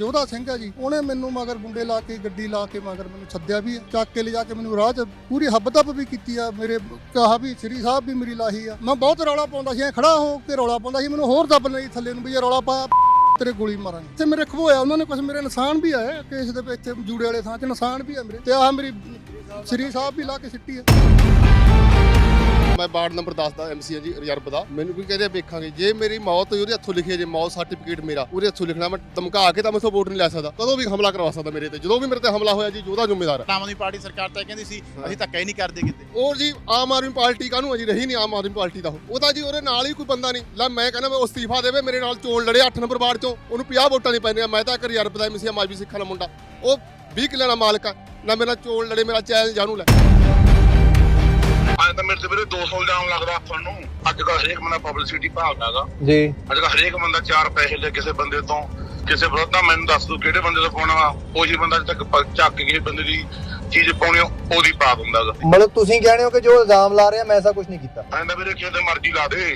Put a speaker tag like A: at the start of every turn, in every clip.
A: जोधा सिंह है जी, उन्हें मैनू मगर गुंडे ला के गड्डी ला के मगर मैनू सद्या भी है, चक के ले जाके मैनू राह च पूरी हब दब भी की मेरे कहा भी श्री साहब भी मेरी लाही है। मैं बहुत रौला पाਉਂਦਾ ਸੀ, खड़ा हो के रौला पाਉਂਦਾ ਸੀ, मैनू होर दब नहीं थले भी जे रौला पाया तेरे गोली मारांगे ते मेरे खबोया। उन्होंने कुछ मेरे निशान भी है केस दे इत्थे जूड़े वाले थां च निशान भी है मेरे ते आ मेरी श्री साहब भी ला के सिੱਟੀ है।
B: मैं वार्ड नंबर 10 ਦਾ ਐਮਸੀ ਹਾਂ ਜੀ ਰਿਜ਼ਰਵ ਦਾ। ਮੈਨੂੰ ਵੀ ਕਹਿੰਦੇ ਵੇਖਾਂਗੇ ਜੇ ਮੇਰੀ ਮੌਤ ਹੋਈ ਉਹਦੇ ਹੱਥੋਂ ਲਿਖੀ ਜੇ ਮੌਤ ਸਰਟੀਫਿਕੇਟ ਮੇਰਾ ਉਹਦੇ ਹੱਥੋਂ ਲਿਖਣਾ। ਮੈਂ ਧਮਕਾ ਕੇ ਤਾਂ ਮੈਥੋਂ ਵੋਟ ਨਹੀਂ ਲੈ ਸਕਦਾ, ਕਦੋਂ ਵੀ ਹਮਲਾ ਕਰਵਾ ਸਕਦਾ ਮੇਰੇ ਤੇ। ਜਦੋਂ ਵੀ ਮੇਰੇ ਤੇ ਹਮਲਾ ਹੋਇਆ ਜੀ ਉਹਦਾ ਜ਼ਿੰਮੇਵਾਰ ਹੈ।
C: ਆਮ ਆਦਮੀ ਪਾਰਟੀ ਸਰਕਾਰ ਤਾਂ ਕਹਿੰਦੀ ਸੀ ਅਸੀਂ ਧੱਕਾ ਹੀ ਨਹੀਂ ਕਰਦੇ ਕਿਤੇ।
B: ਔਰ ਜੀ ਆਮ ਆਦਮੀ ਪਾਰਟੀ ਕਾਹਨੂੰ ਅਜੀ ਰਹੀ ਨਹੀਂ ਆਮ ਆਦਮੀ ਪਾਰਟੀ ਦਾ। ਉਹਦਾ ਜੀ ਉਹਦੇ ਨਾਲ ਹੀ ਕੋਈ ਬੰਦਾ ਨਹੀਂ ਲੈ। ਮੈਂ ਕਹਿੰਦਾ ਮੈਂ ਉਹ ਅਸਤੀਫਾ ਦੇਵੇ, ਮੇਰੇ ਨਾਲ ਚੋਣ ਲੜੇ 8 ਨੰਬਰ ਵਾਰਡ ਚੋਂ, ਉਹਨੂੰ 50 ਵੋਟਾਂ ਨਹੀਂ ਪੈਂਦੀਆਂ। ਮੈਂ ਤਾਂ ਇੱਕ ਰਿਜ਼ਰਵ ਦਾ ਐਮਸੀ ਮਾਜਵੀ ਸਿੱਖਾਂ ਦਾ ਮੁੰਡਾ, ਉਹ 20 ਕਿੱਲਿਆਂ ਦਾ ਮਾਲਕ ਆ ਨਾ। ਮੇਰੇ ਨਾਲ ਚੋਣ ਲੜੇ, ਮੇਰਾ ਚੈਲੰਜ ਜਾਣੂ ਲੈ।
D: ਅੱਜ ਤਾਂ ਮੇਰੇ ਤੇ ਵੀਰੇ 200 ਇਲਜ਼ਾਮ ਲੱਗਦਾ ਤੁਹਾਨੂੰ। ਅੱਜ ਕੱਲ੍ਹ ਹਰੇਕ ਬੰਦਾ ਪਬਲਿਸਿਟੀ ਭਾਲਦਾ ਹੈਗਾ
E: ਜੀ।
D: ਅੱਜ ਕੱਲ੍ਹ ਹਰੇਕ ਬੰਦਾ 4 ਪੈਸੇ ਲੈ ਕਿਸੇ ਬੰਦੇ ਤੋਂ, ਕਿਸੇ ਵਿਰੋਧ ਦਾ। ਮੈਨੂੰ ਦੱਸ ਦੋ ਕਿਹੜੇ ਬੰਦੇ ਤੋਂ ਪਾਉਣਾ ਵਾ, ਉਹੀ ਬੰਦਾ ਤੱਕ ਚੱਕ ਕੇ ਕਿਸੇ ਬੰਦੇ ਦੀ ਚੀਜ਼ ਪਾਉਣੀ ਉਹਦੀ ਪਾ ਦਿੰਦਾ ਹੈਗਾ।
E: ਮਤਲਬ ਤੁਸੀਂ ਕਹਿੰਦੇ ਹੋ ਕਿ ਜੋ ਇਲਜ਼ਾਮ ਲਾ ਰਿਹਾ ਮੈਂ ਐਸਾ ਕੁਝ ਨਹੀਂ ਕੀਤਾ।
D: ਕਹਿੰਦਾ ਵੀਰੇ ਕਿਹਦੇ ਮਰਜ਼ੀ ਲਾ ਦੇ।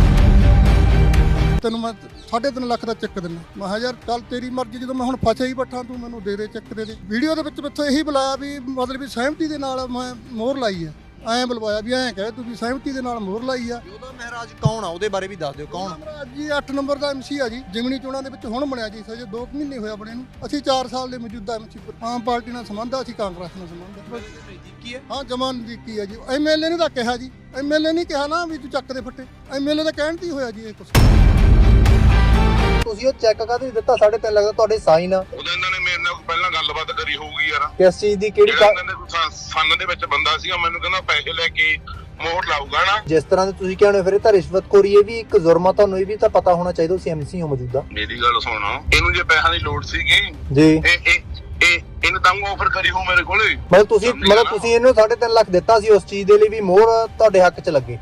A: ਤੈਨੂੰ ਮੈਂ 3.5 ਲੱਖ ਦਾ ਚੈੱਕ ਦਿੰਦਾ। ਮੈਂ ਕਿਹਾ ਯਾਰ ਚੱਲ ਤੇਰੀ ਮਰਜ਼ੀ, ਜਦੋਂ ਮੈਂ ਹੁਣ ਫਸਿਆ ਹੀ ਬੱਠਾ ਤੂੰ ਮੈਨੂੰ ਦੇ ਦੇ ਚੈੱਕ ਦੇ ਦੇ। ਵੀਡੀਓ ਦੇ ਵਿੱਚ ਮੈਥੋਂ ਇਹੀ ਬੁਲਾਇਆ ਵੀ ਮਤਲਬ ਵੀ ਸਹਿਮਤੀ ਦੇ ਨਾਲ ਮੈਂ ਮੋਹਰ ਲਾਈ ਆ। ਐਂ ਬੁਲਵਾਇਆ ਵੀ ਐਂ ਕਹੇ ਤੂੰ ਵੀ ਸਹਿਮਤੀ ਦੇ ਨਾਲ ਮੋਹਰ ਲਾਈ ਆ।
E: ਯੋਧਾ ਮਹਾਰਾਜ ਕੌਣ ਆ, ਉਹਦੇ ਬਾਰੇ ਵੀ ਦੱਸ ਦਿਓ ਕੌਣ ਆ।
A: ਮਹਾਰਾਜ ਜੀ 8 ਨੰਬਰ ਦਾ ਐਮਸੀ ਆ ਜੀ, ਜਿਮਣੀ ਚੋਣਾਂ ਦੇ ਵਿੱਚ ਹੁਣ ਬਣਿਆ ਜੀ, ਸਜੇ 2 ਮਹੀਨੇ ਹੋਇਆ ਬਣੇ ਨੂੰ। ਅਸੀਂ 4 ਸਾਲ ਦੇ ਮੌਜੂਦਾ ਐਮਸੀ, ਆਮ ਪਾਰਟੀ ਨਾਲ ਸੰਬੰਧ ਆ, ਅਸੀਂ ਕਾਂਗਰਸ ਨਾਲ ਸੰਬੰਧ ਆ। ਹਾਂ ਜਮਾਂ ਨਜ਼ਦੀਕੀ ਆ ਜੀ। ਐਮਐਲਏ ਨੇ ਤਾਂ ਕਿਹਾ ਜੀ, ਐਮਐਲਏ ਨਹੀਂ ਕਿਹਾ ਨਾ ਵੀ ਤੂੰ ਚੱਕ ਦੇ ਫੱਟੇ, ਐਮਐਲਏ ਦਾ ਕਹਿਣ ਤੇ ਹੀ ਹੋਇਆ ਜੀ ਇਹ ਕੁਛ।
E: ਤੁਸੀਂ ਉਹ ਚੈੱਕ ਕਾਹਦੇ ਦਿੱਤਾ 3.5 ਲੱਖ ਦਾ, ਤੁਹਾਡੇ ਸਾਈਨ ਆ।
D: ਉਹਦੇ ਇਹਨਾਂ ਨੇ ਮੇਰੇ ਨਾਲ ਪਹਿਲਾਂ ਗੱਲਬਾਤ ਕਰੀ ਹੋਊਗੀ ਯਾਰ।
E: ਕਿਸ ਚੀਜ਼ ਦੀ, ਕਿਹੜੀ
D: ਸੰਨ ਦੇ ਵਿੱਚ ਬੰਦਾ ਸੀਗਾ, ਮੈਨੂੰ ਕਹਿੰਦਾ ਪੈਸੇ ਲੈ ਕੇ ਮੋਹਰ ਲਾਊਗਾ ਨਾ।
E: ਜਿਸ ਤਰ੍ਹਾਂ ਦੇ ਤੁਸੀਂ ਕਹਿੰਦੇ ਹੋ ਫਿਰ ਇਹ ਤਾਂ ਰਿਸ਼ਵਤਖੋਰੀ, ਇਹ ਵੀ ਇੱਕ ਜ਼ੁਰਮ ਆ। ਤੁਹਾਨੂੰ ਇਹ ਵੀ ਤਾਂ ਪਤਾ ਹੋਣਾ ਚਾਹੀਦਾ, ਤੁਸੀਂ ਐਮਸੀ ਹੋ ਮੌਜੂਦਾ।
D: ਮੇਰੀ ਗੱਲ ਸੁਣ, ਇਹਨੂੰ ਜੇ ਪੈਸਿਆਂ ਦੀ ਲੋੜ ਸੀਗੀ
E: ਜੀ,
D: ਇਹਨੂੰ ਤਾਂ ਆਫਰ ਕਰੀ ਹੋ ਮੇਰੇ ਕੋਲੇ।
E: ਮਤਲਬ ਤੁਸੀਂ ਇਹਨੂੰ 3.5 ਲੱਖ ਦਿੱਤਾ ਸੀ ਉਸ ਚੀਜ਼ ਦੇ ਲਈ ਵੀ ਮੋਹਰ ਤੁਹਾਡੇ ਹੱਕ 'ਚ ਲੱਗੇ।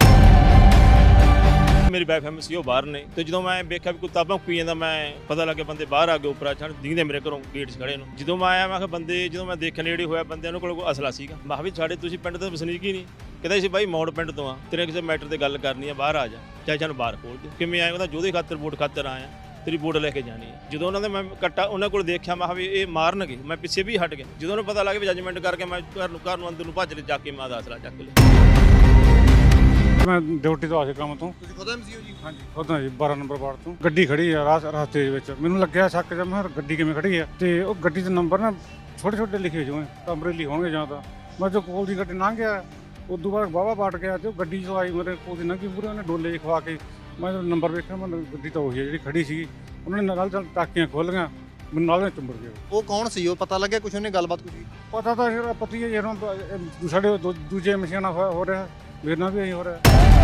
F: ਮੇਰੀ ਵਾਈਫ ਐਮਸੀ ਉਹ ਬਾਹਰ ਨੇ, ਤੇ ਜਦੋਂ ਮੈਂ ਵੇਖਿਆ ਵੀ ਕੋਈ ਤਾਬਾਂ ਪੀ ਜਾਂਦਾ, ਮੈਂ ਪਤਾ ਲੱਗੇ ਬੰਦੇ ਬਾਹਰ ਆ ਗਏ ਉੱਪਰ ਛੱਡ ਦਿਖਦੇ ਮੇਰੇ ਘਰੋਂ ਗੇਟ 'ਚ ਖੜੇ ਨੂੰ। ਜਦੋਂ ਮੈਂ ਆਇਆ ਮੈਂ ਕਿਹਾ ਬੰਦੇ, ਜਦੋਂ ਮੈਂ ਦੇਖਣ ਨੇੜੇ ਹੋਇਆ ਬੰਦਿਆਂ ਕੋਲ ਕੋਈ ਅਸਲਾ ਸੀਗਾ। ਮੈਂ ਕਿਹਾ ਵੀ ਸਾਡੇ ਤੁਸੀਂ ਪਿੰਡ ਦੇ ਵਸਨੀਕ ਹੀ ਨਹੀਂ। ਕਹਿੰਦਾ ਸੀ ਬਾਈ ਮੌੜ ਪਿੰਡ ਤੋਂ ਆ, ਤੇਰੇ ਕਿਸੇ ਮੈਟਰ ਤੇ ਗੱਲ ਕਰਨੀ ਆ, ਬਾਹਰ ਆ ਜਾ, ਚਾਹੇ ਸਾਨੂੰ ਬਾਹਰ ਖੋਲ ਦੇ। ਕਿਵੇਂ ਆਇਆ? ਉਹਦਾ ਜੋਧੇ ਖਾਤਰ ਵੋਟ ਖਾਤਰ ਆਇਆ, ਤੇਰੀ ਵੋਟ ਲੈ ਕੇ ਜਾਣੀ ਹੈ। ਜਦੋਂ ਉਹਨਾਂ ਦੇ ਮੈਂ ਕੱਟਾ ਉਹਨਾਂ ਕੋਲ ਦੇਖਿਆ, ਮੈਂ ਕਿਹਾ ਵੀ ਇਹ ਮਾਰਨਗੇ, ਮੈਂ ਪਿੱਛੇ ਵੀ ਹਟ ਗਿਆ। ਜਦੋਂ ਉਹਨੂੰ ਪਤਾ ਲੱਗ ਵੀ ਜੱਜਮੈਂਟ ਕਰਕੇ ਮੈਂ ਘਰ ਨੂੰ ਅੰਦਰ ਨੂੰ ਭੱਜ ਲੈ, ਜਾ ਕੇ ਮੈਂ ਦਾ ਅਸਲਾ ਚੱਕ ਲਿਆ।
G: ਮੈਂ ਡਿਊਟੀ ਤੋਂ ਆ ਕੇ ਕੰਮ ਤੋਂ।
E: ਤੁਸੀਂ ਖੁਦ ਐਮਸੀ ਹੋ ਜੀ?
G: ਹਾਂਜੀ ਖੁਦ ਹਾਂ ਜੀ, 12 ਨੰਬਰ ਵਾਰਡ ਤੋਂ। ਗੱਡੀ ਖੜੀ ਆ ਰਸਤੇ ਦੇ ਵਿੱਚ, ਮੈਨੂੰ ਲੱਗਿਆ ਸ਼ੱਕ ਜਿਹਾ, ਮੈਂ ਗੱਡੀ ਕਿਵੇਂ ਖੜੀ ਆ। ਤੇ ਉਹ ਗੱਡੀ ਦੇ ਨੰਬਰ ਨਾ ਛੋਟੇ ਛੋਟੇ ਲਿਖੇ ਹੋਏ, ਅਮਰੇਲੀ ਹੋਣਗੇ ਜਾਂ ਤਾਂ। ਮੈਂ ਜੋ ਕੋਲ ਦੀ ਗੱਡੀ ਲੰਘ ਗਿਆ, ਉਦੋਂ ਬਾਅਦ ਵਾਹਵਾ ਪਾਟ ਗਿਆ ਤੇ ਉਹ ਗੱਡੀ ਚਲਾਈ ਮੇਰੇ ਕੋਲ ਦੀ ਲੰਘੀ ਪੂਰੇ। ਉਹਨੇ ਡੋਲੇ ਖਵਾ ਕੇ, ਮੈਂ ਜਦੋਂ ਨੰਬਰ ਵੇਖਿਆ, ਮੈਂ ਗੱਡੀ ਤਾਂ ਉਹੀ ਹੈ ਜਿਹੜੀ ਖੜੀ ਸੀਗੀ। ਉਹਨਾਂ ਨੇ ਨਾਲ ਟਾਕੀਆਂ ਖੋਲੀਆਂ, ਮੈਨੂੰ ਨਾਲ ਚੁੰਬੜ ਗਿਆ।
E: ਉਹ ਕੌਣ ਸੀ? ਉਹ ਪਤਾ ਲੱਗਿਆ ਕੁਛ? ਉਹਨੇ ਗੱਲਬਾਤ ਕੁਛ?
G: ਪਤਾ ਤਾਂ ਫਿਰ ਪਤੀ ਹੈ ਜਦੋਂ ਸਾਡੇ ਦੂਜੇ ਮਸ਼ੀਨਾਂ ਨਾਲ ਹੋ ਰਿਹਾ, ਮੇਰੇ ਨਾਲ ਵੀ ਇਹੀ ਹੋ ਰਿਹਾ।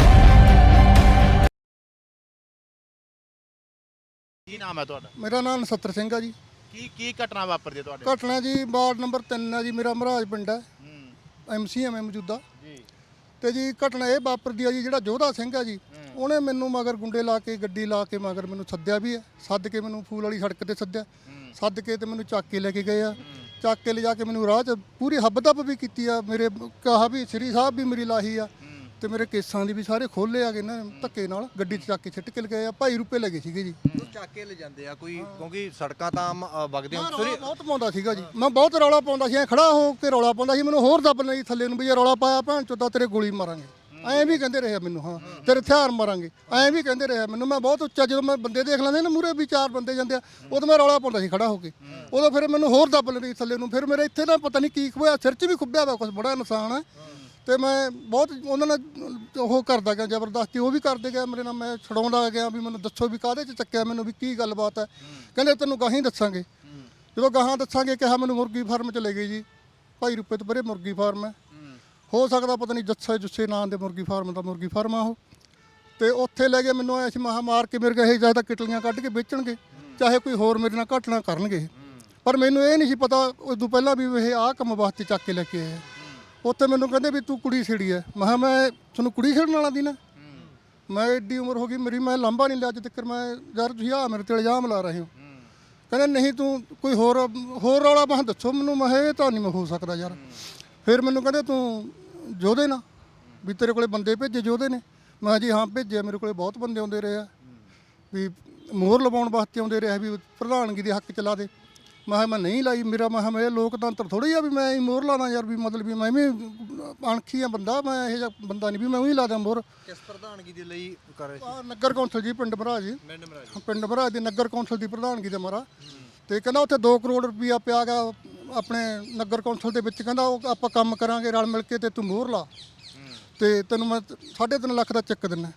C: ਕੀ ਨਾਮ ਹੈ ਤੁਹਾਡਾ?
A: ਮੇਰਾ ਨਾਮ ਨਛੱਤਰ ਸਿੰਘ ਆ ਜੀ।
C: ਕੀ ਘਟਨਾ ਵਾਪਰਦੀ ਤੁਹਾਡੇ?
A: ਘਟਨਾ ਜੀ ਵਾਰਡ ਨੰਬਰ 3 ਆ ਜੀ, ਮੇਰਾ ਮਹਾਰਾਜ ਪਿੰਡ ਹੈ, ਐਮਸੀ ਆ ਮੈਂ ਮੌਜੂਦਾ
C: ਜੀ।
A: ਤੇ ਜੀ ਘਟਨਾ ਇਹ ਵਾਪਰਦੀ ਆ ਜੀ, ਜਿਹੜਾ ਜੋਧਾ ਸਿੰਘ ਆ ਜੀ, ਉਹਨੇ ਮੈਨੂੰ ਮਗਰ ਗੁੰਡੇ ਲਾ ਕੇ ਗੱਡੀ ਲਾ ਕੇ ਮਗਰ ਮੈਨੂੰ ਸੱਦਿਆ ਵੀ ਹੈ। ਸੱਦ ਕੇ ਮੈਨੂੰ ਫੂਲ ਵਾਲੀ ਸੜਕ ਤੇ ਸੱਦਿਆ, ਸੱਦ ਕੇ ਤੇ ਮੈਨੂੰ ਚੱਕ ਕੇ ਲੈ ਕੇ ਗਏ ਆ। ਚੱਕ ਕੇ ਲਿਜਾ ਕੇ ਮੈਨੂੰ ਰਾਹ 'ਚ ਪੂਰੀ ਹੱਬ ਦਬ ਵੀ ਕੀਤੀ ਆ। ਮੇਰੇ ਕਹਾ ਵੀ ਸ਼੍ਰੀ ਸਾਹਿਬ ਵੀ ਮੇਰੀ ਲਾਹੀ ਆ, ਤੇ ਮੇਰੇ ਕੇਸਾਂ ਦੀ ਵੀ ਸਾਰੇ ਖੋਲੇ ਆ ਗਏ ਨਾ ਧੱਕੇ ਨਾਲ। ਗੱਡੀ 'ਚ ਚੱਕ ਕੇ ਸਿੱਟ ਕੇ ਲਗਾਏ ਆ। 2.5 ਰੁਪਏ ਲੱਗੇ ਸੀਗੇ ਜੀ।
E: ਚੱਕ ਕੇ ਲੈ ਜਾਂਦੇ ਆ ਕੋਈ, ਕਿਉਂਕਿ ਸੜਕਾਂ ਤਾਂ ਆਮ ਵਗਦੇ
A: ਮੈਂ ਰੌਲਾ ਬਹੁਤ ਪਾਉਂਦਾ ਸੀਗਾ ਜੀ, ਮੈਂ ਬਹੁਤ ਰੌਲਾ ਪਾਉਂਦਾ ਸੀ, ਐਂ ਖੜਾ ਹੋ ਕੇ ਰੌਲਾ ਪਾਉਂਦਾ ਸੀ। ਮੈਨੂੰ ਹੋਰ ਦੱਬ ਲਈ ਥੱਲੇ ਨੂੰ ਵੀ ਜੇ ਰੌਲਾ ਪਾਇਆ ਭੈਣ ਚੋਦਾ ਤੇਰੇ ਗੋਲੀ ਮਾਰਾਂਗੇ, ਐਂ ਵੀ ਕਹਿੰਦੇ ਰਹੇ ਮੈਨੂੰ। ਹਾਂ ਤੇਰੇ ਹਥਿਆਰ ਮਾਰਾਂਗੇ, ਐਂ ਵੀ ਕਹਿੰਦੇ ਰਹੇ ਮੈਨੂੰ। ਮੈਂ ਬਹੁਤ ਉੱਚਾ, ਜਦੋਂ ਮੈਂ ਬੰਦੇ ਦੇਖ ਲੈਂਦੇ ਨਾ ਮੂਹਰੇ ਵੀ 4 ਬੰਦੇ ਜਾਂਦੇ ਆ, ਉਦੋਂ ਮੈਂ ਰੌਲਾ ਪਾਉਂਦਾ ਸੀ ਖੜਾ ਹੋ ਕੇ। ਉਦੋਂ ਫਿਰ ਮੈਨੂੰ ਹੋਰ ਦੱਬ ਲੈਂਦੇ ਥੱਲੇ ਨੂੰ। ਫਿਰ ਮੇਰੇ ਇੱਥੇ ਨਾ ਪਤਾ ਨਹੀਂ ਕੀ ਖੁੱਬਿਆ, ਸਿਰ 'ਚ ਵੀ ਖੁੱਬਿਆ ਵਾ ਕੁਛ, ਬੜਾ ਨੁਕਸਾਨ ਹੈ। ਤੇ ਮੈਂ ਬਹੁਤ ਉਹਨਾਂ ਨਾਲ ਉਹ ਕਰਦਾ ਗਿਆ, ਜ਼ਬਰਦਸਤੀ ਉਹ ਵੀ ਕਰਦੇ ਗਿਆ ਮੇਰੇ ਨਾਲ। ਮੈਂ ਛਡਾਉਂਦਾ ਗਿਆ ਵੀ ਮੈਨੂੰ ਦੱਸੋ ਵੀ ਕਾਹਦੇ 'ਚ ਚੱਕਿਆ ਮੈਨੂੰ, ਵੀ ਕੀ ਗੱਲਬਾਤ ਹੈ। ਕਹਿੰਦੇ ਤੈਨੂੰ ਗਾਹਾਂ ਹੀ ਦੱਸਾਂਗੇ। ਜਦੋਂ ਗਾਹਾਂ ਦੱਸਾਂਗੇ ਕਿਹਾ, ਮੈਨੂੰ ਮੁਰਗੀ ਫਾਰਮ 'ਚ ਲੈ ਗਏ ਜੀ। 2.5 ਰੁਪਏ ਤੋਂ ਪਰੇ ਮੁਰਗੀ ਫਾਰਮ ਹੈ, ਹੋ ਸਕਦਾ ਪਤਾ ਨਹੀਂ ਜੁੱਸੇ ਨਾਂ ਦੇ ਮੁਰਗੀ ਫਾਰਮ ਦਾ ਮੁਰਗੀ ਫਾਰਮ ਆ ਉਹ। ਤੇ ਉੱਥੇ ਲੈ ਗਏ ਮੈਨੂੰ, ਆਇਆ ਸੀ ਮਹਾ ਮਾਰ ਕੇ ਮੇਰੇ ਕਹੇ ਚਾਹੇ ਤਾਂ ਕਿਟਲੀਆਂ ਕੱਢ ਕੇ ਵੇਚਣਗੇ, ਚਾਹੇ ਕੋਈ ਹੋਰ ਮੇਰੇ ਨਾਲ ਘਟਨਾ ਕਰਨਗੇ। ਪਰ ਮੈਨੂੰ ਇਹ ਨਹੀਂ ਸੀ ਪਤਾ ਉਦੋਂ ਪਹਿਲਾਂ ਵੀ ਇਹ ਆਹ ਕੰਮ ਵਾਸਤੇ ਚੱਕ ਕੇ ਲੈ ਕੇ ਆਏ। ਉੱਥੇ ਮੈਨੂੰ ਕਹਿੰਦੇ ਵੀ ਤੂੰ ਕੁੜੀ ਛੇੜੀ ਹੈ। ਮੈਂ ਕਿਹਾ ਮੈਂ ਤੁਹਾਨੂੰ ਕੁੜੀ ਛੇੜਨ ਵਾਲਾ ਦੀ ਨਾ, ਮੈਂ ਐਡੀ ਉਮਰ ਹੋ ਗਈ ਮੇਰੀ, ਮੈਂ ਲਾਂਭਾ ਨਹੀਂ ਲਿਆ ਅੱਜ ਤੱਕ। ਮੈਂ ਯਾਰ ਤੁਸੀਂ ਆ ਮੇਰੇ ਤੇ ਇਲਜ਼ਾਮ ਲਾ ਰਹੇ ਹੋ। ਕਹਿੰਦੇ ਨਹੀਂ ਤੂੰ ਕੋਈ ਹੋਰ ਰੌਲਾ। ਮੈਂ ਦੱਸੋ ਮੈਨੂੰ। ਮੈਂ ਇਹ ਤਾਂ ਨਹੀਂ ਮੈਂ ਹੋ ਸਕਦਾ ਯਾਰ। ਫਿਰ ਮੈਨੂੰ ਕਹਿੰਦੇ ਤੂੰ ਜੋਧੇ ਨਾ ਵੀ ਤੇਰੇ ਕੋਲੇ ਬੰਦੇ ਭੇਜੇ ਜੋਧੇ ਨੇ। ਮੈਂ ਜੀ ਹਾਂ ਭੇਜਿਆ, ਮੇਰੇ ਕੋਲੇ ਬਹੁਤ ਬੰਦੇ ਆਉਂਦੇ ਰਹੇ ਆ ਵੀ ਮੋਹਰ ਲਵਾਉਣ ਵਾਸਤੇ ਆਉਂਦੇ ਰਹੇ ਵੀ ਪ੍ਰਧਾਨਗੀ ਦੇ ਹੱਕ ਚਲਾ ਦੇ। ਮੈਂ ਨਹੀਂ ਲਾਈ। ਮੇਰਾ ਮੈਂ ਇਹ ਲੋਕਤੰਤਰ ਥੋੜੀ ਆ ਵੀ ਮੈਂ ਹੀ ਮੋਹਰ ਲਾਣਾ ਯਾਰ, ਵੀ ਮਤਲਬ ਵੀ ਮੈਂ ਵੀ ਅਣਖੀ ਆ ਬੰਦਾ, ਮੈਂ ਇਹ ਜਿਹਾ ਬੰਦਾ ਨਹੀਂ ਵੀ ਮੈਂ ਉਹੀ ਲਾ ਦਾਂ ਮੋਹਰ।
E: ਕਿਸ ਪ੍ਰਧਾਨਗੀ ਦੇ ਲਈ ਕਰ ਰਹੇ ਸੀ?
A: ਨਗਰ ਕੌਂਸਲ ਜੀ, ਪਿੰਡ ਭਰਾ ਜੀ, ਪਿੰਡ ਭਰਾ ਦੀ ਨਗਰ ਕੌਂਸਲ ਦੀ ਪ੍ਰਧਾਨਗੀ ਦੇ ਮਾਰਾ। ਤੇ ਕਹਿੰਦਾ ਉੱਥੇ 2 ਕਰੋੜ ਰੁਪਈਆ ਪਿਆ ਗਾ ਆਪਣੇ ਨਗਰ ਕੌਂਸਲ ਦੇ ਵਿੱਚ, ਕਹਿੰਦਾ ਉਹ ਆਪਾਂ ਕੰਮ ਕਰਾਂਗੇ ਰਲ ਮਿਲ ਕੇ ਤੇ ਤੂੰ ਮੋਹਰ ਲਾ ਤੇ ਤੈਨੂੰ ਮੈਂ 3.5 ਲੱਖ ਦਾ ਚੈੱਕ ਦਿੰਦਾ।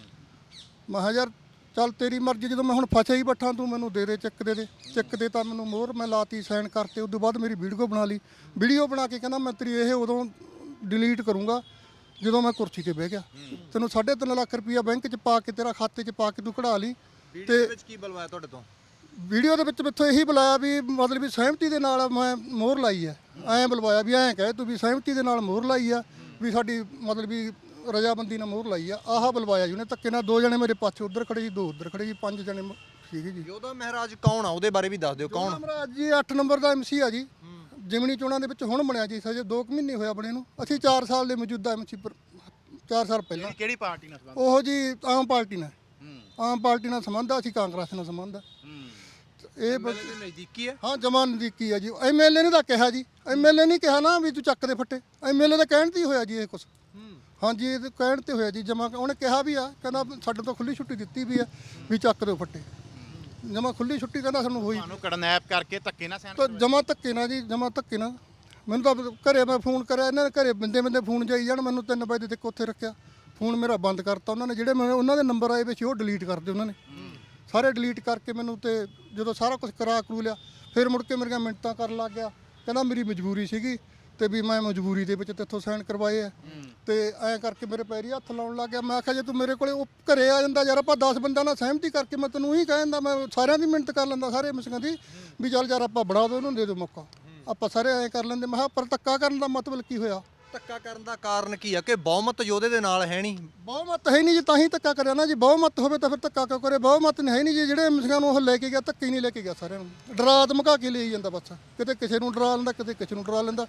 A: ਮੈਂ ਕਿਹਾ ਯਾਰ ਚੱਲ ਤੇਰੀ ਮਰਜ਼ੀ, ਜਦੋਂ ਮੈਂ ਹੁਣ ਫਸਿਆ ਹੀ ਬੱਠਾ ਤੂੰ ਮੈਨੂੰ ਦੇ ਚੈੱਕ ਦੇ ਚੈੱਕ ਦੇ ਤਾਂ ਮੈਨੂੰ ਮੋਹਰ ਮੈਂ ਲਾਤੀ, ਸਾਈਨ ਕਰਤੇ। ਉਸ ਤੋਂ ਬਾਅਦ ਮੇਰੀ ਵੀਡੀਓ ਬਣਾ ਲਈ, ਵੀਡੀਓ ਬਣਾ ਕੇ ਕਹਿੰਦਾ ਮੈਂ ਤੇਰੀ ਇਹ ਉਦੋਂ ਡਿਲੀਟ ਕਰੂੰਗਾ ਜਦੋਂ ਮੈਂ ਕੁਰਸੀ ਤੇ ਬਹਿ ਗਿਆ। ਤੈਨੂੰ 3.5 ਲੱਖ ਰੁਪਈਆ ਬੈਂਕ 'ਚ ਪਾ ਕੇ ਤੇਰਾ ਖਾਤੇ 'ਚ ਪਾ ਕੇ ਤੂੰ ਕਢਾ ਲਈ।
E: ਤੇ ਵਿੱਚ ਕੀ ਬੁਲਵਾਇਆ ਤੁਹਾਡੇ ਤੋਂ?
A: ਵੀਡੀਓ ਦੇ ਵਿੱਚ ਮੈਥੋਂ ਇਹੀ ਬੁਲਾਇਆ ਵੀ ਮਤਲਬ ਵੀ ਸਹਿਮਤੀ ਦੇ ਨਾਲ ਮੈਂ ਮੋਹਰ ਲਾਈ ਹੈ, ਐਂ ਬੁਲਵਾਇਆ ਵੀ ਐਂ ਕਹੇ ਤੂੰ ਵੀ ਸਹਿਮਤੀ ਦੇ ਨਾਲ ਮੋਹਰ ਲਾਈ ਆ, ਵੀ ਸਾਡੀ ਮਤਲਬ ਵੀ ਰਜਾਬੰਦੀ ਨਾਲ ਮੋਹਰ ਲਾਈ ਆ, ਆਹ ਬੁਲਵਾਇਆ ਜੀ ਉਹਨੇ ਧੱਕੇ ਨਾਲ। 2 ਜਣੇ ਮੇਰੇ ਪਾਸੇ ਉੱਧਰ ਖੜੇ ਸੀ, 2 ਉੱਧਰ ਖੜੇ ਸੀ, 5 ਜਣੇ ਸੀਗੇ ਜੀ।
E: ਯੋਧਾ ਮਹਾਰਾਜ ਕੌਣ ਆ, ਉਹਦੇ ਬਾਰੇ ਵੀ ਦੱਸ ਦਿਓ। ਕੌਣ?
A: ਮਹਾਰਾਜ ਜੀ 8 ਨੰਬਰ ਦਾ MC ਆ ਜੀ, ਜਿਮਣੀ ਚੋਣਾਂ ਦੇ ਵਿੱਚ ਹੁਣ ਬਣਿਆ ਜੀ, ਹਜੇ 2 ਮਹੀਨੇ ਹੋਇਆ ਬਣੇ ਨੂੰ। ਅਸੀਂ 4 ਸਾਲ ਦੇ ਮੌਜੂਦਾ MC 4 ਸਾਲ ਪਹਿਲਾਂ।
C: ਕਿਹੜੀ ਪਾਰਟੀ ਨਾਲ ਸੰਬੰਧ?
A: ਉਹ ਜੀ ਆਮ ਪਾਰਟੀ ਨਾਲ, ਆਮ ਪਾਰਟੀ ਨਾਲ ਸੰਬੰਧ ਆ, ਅਸੀਂ ਕਾਂਗਰਸ ਨਾਲ ਸੰਬੰਧ ਆ। ਇਹ
E: ਨਜ਼ਦੀਕੀ ਹੈ?
A: ਹਾਂ ਜਮਾਂ ਨਜ਼ਦੀਕੀ ਆ ਜੀ। MLA ਨੇ ਤਾਂ ਕਿਹਾ ਜੀ, MLA ਨਹੀਂ ਕਿਹਾ ਨਾ ਵੀ ਤੂੰ ਚੱਕ ਦੇ ਫੱਟੇ, MLA ਦਾ ਕਹਿਣ ਤੇ ਹੀ ਹੋਇਆ ਜੀ ਇਹ ਕੁਛ। ਹਾਂਜੀ ਇਹ ਕਹਿਣ ਤੇ ਹੋਇਆ ਜੀ, ਜਮਾ ਉਹਨੇ ਕਿਹਾ ਵੀ ਆ, ਕਹਿੰਦਾ ਸਾਡੇ ਤੋਂ ਖੁੱਲੀ ਛੁੱਟੀ ਦਿੱਤੀ ਵੀ ਆ ਵੀ ਚੱਕ ਦਿਓ ਫੱਟੇ, ਜਮਾ ਖੁੱਲੀ ਛੁੱਟੀ ਕਹਿੰਦਾ ਸਾਨੂੰ ਹੋਈ।
C: ਤੁਹਾਨੂੰ ਕਿਡਨੈਪ ਕਰਕੇ ਧੱਕੇ ਨਾਲ ਸੈਨ
A: ਤਾਂ ਜਮਾ ਧੱਕੇ ਨਾਲ ਜੀ, ਜਮਾ ਧੱਕੇ ਨਾਲ। ਮੈਨੂੰ ਤਾਂ ਘਰੇ ਮੈਂ ਫੋਨ ਕਰਿਆ, ਇਹਨਾਂ ਨੇ ਘਰੇ ਬੰਦੇ ਫੋਨ ਜਾਈ ਜਾਣ, ਮੈਨੂੰ 3 ਵਜੇ ਤੱਕ ਉੱਥੇ ਰੱਖਿਆ। ਫੋਨ ਮੇਰਾ ਬੰਦ ਕਰਤਾ ਉਹਨਾਂ ਨੇ, ਜਿਹੜੇ ਮੈਨੂੰ ਉਹਨਾਂ ਦੇ ਨੰਬਰ ਆਏ ਵਿੱਚ ਉਹ ਡਿਲੀਟ ਕਰਦੇ ਉਹਨਾਂ ਨੇ ਸਾਰੇ, ਡਿਲੀਟ ਕਰਕੇ ਮੈਨੂੰ। ਤੇ ਜਦੋਂ ਸਾਰਾ ਕੁਝ ਕਰਾ ਕਰੂ ਲਿਆ, ਫਿਰ ਮੁੜ ਕੇ ਮੇਰੀਆਂ ਮਿੰਟਾਂ ਕਰਨ ਲੱਗ ਗਿਆ, ਕਹਿੰਦਾ ਮੇਰੀ ਮਜਬੂਰੀ ਸੀਗੀ ਤੇ ਵੀ ਮੈਂ ਮਜਬੂਰੀ ਦੇ ਵਿੱਚ ਤੇਥੋਂ ਸਾਈਨ ਕਰਵਾਏ ਆ। ਤੇ ਐਂ ਕਰਕੇ ਮੇਰੇ ਪੈਰੀ ਹੱਥ ਲਾਉਣ ਲੱਗ ਗਿਆ। ਮੈਂ ਆਖਿਆ ਜੇ ਤੂੰ ਮੇਰੇ ਕੋਲੇ ਉਹ ਘਰੇ ਆ ਜਾਂਦਾ ਯਾਰ, ਆਪਾਂ 10 ਬੰਦਿਆਂ ਨਾਲ ਸਹਿਮਤੀ ਕਰਕੇ ਮੈਂ ਤੈਨੂੰ ਉਹੀ ਕਹਿ ਦਿੰਦਾ, ਮੈਂ ਸਾਰਿਆਂ ਦੀ ਮਿਹਨਤ ਕਰ ਲੈਂਦਾ, ਸਾਰੇ ਮਿਸਕਾਂ ਦੀ ਵੀ ਚੱਲ ਯਾਰ ਆਪਾਂ ਬਣਾ ਦੋ, ਉਹਨੂੰ ਦੇ ਦਿਓ ਮੌਕਾ, ਆਪਾਂ ਸਾਰੇ ਐਂ ਕਰ ਲੈਂਦੇ। ਮੈਂ ਕਿਹਾ ਪਰ ਧੱਕਾ ਕਰਨ ਦਾ ਮਤਲਬ ਕੀ ਹੋਇਆ?
E: ਧੱਕਾ ਕਰਨ ਦਾ ਕਾਰਨ ਕੀ ਆ ਕਿ ਬਹੁਮਤ ਯੋਧੇ ਦੇ ਨਾਲ ਹੈ ਨਹੀਂ?
A: ਬਹੁਮਤ ਹੈ ਨਹੀਂ ਜੀ, ਤਾਂ ਹੀ ਧੱਕਾ ਕਰਿਆ ਨਾ ਜੀ। ਬਹੁਮਤ ਹੋਵੇ ਤਾਂ ਫਿਰ ਧੱਕਾ ਕਿਉਂ ਕਰੇ? ਬਹੁਮਤ ਨਹੀਂ ਹੈ ਨਹੀਂ ਜੀ, ਜਿਹੜੇ ਮਿਸਕਾਂ ਨੂੰ ਉਹ ਲੈ ਕੇ ਗਿਆ ਧੱਕੇ ਨਹੀਂ ਲੈ ਕੇ ਗਿਆ, ਸਾਰਿਆਂ ਨੂੰ ਡਰਾ ਧਮਕਾ ਕੇ ਲਈ ਜਾਂਦਾ ਬਸ। ਕਿਤੇ ਕਿਸੇ ਨੂੰ ਡਰਾ ਲੈਂਦਾ, ਕਿਤੇ ਕਿਸੇ ਨੂੰ ਡਰਾ ਲੈਂਦਾ।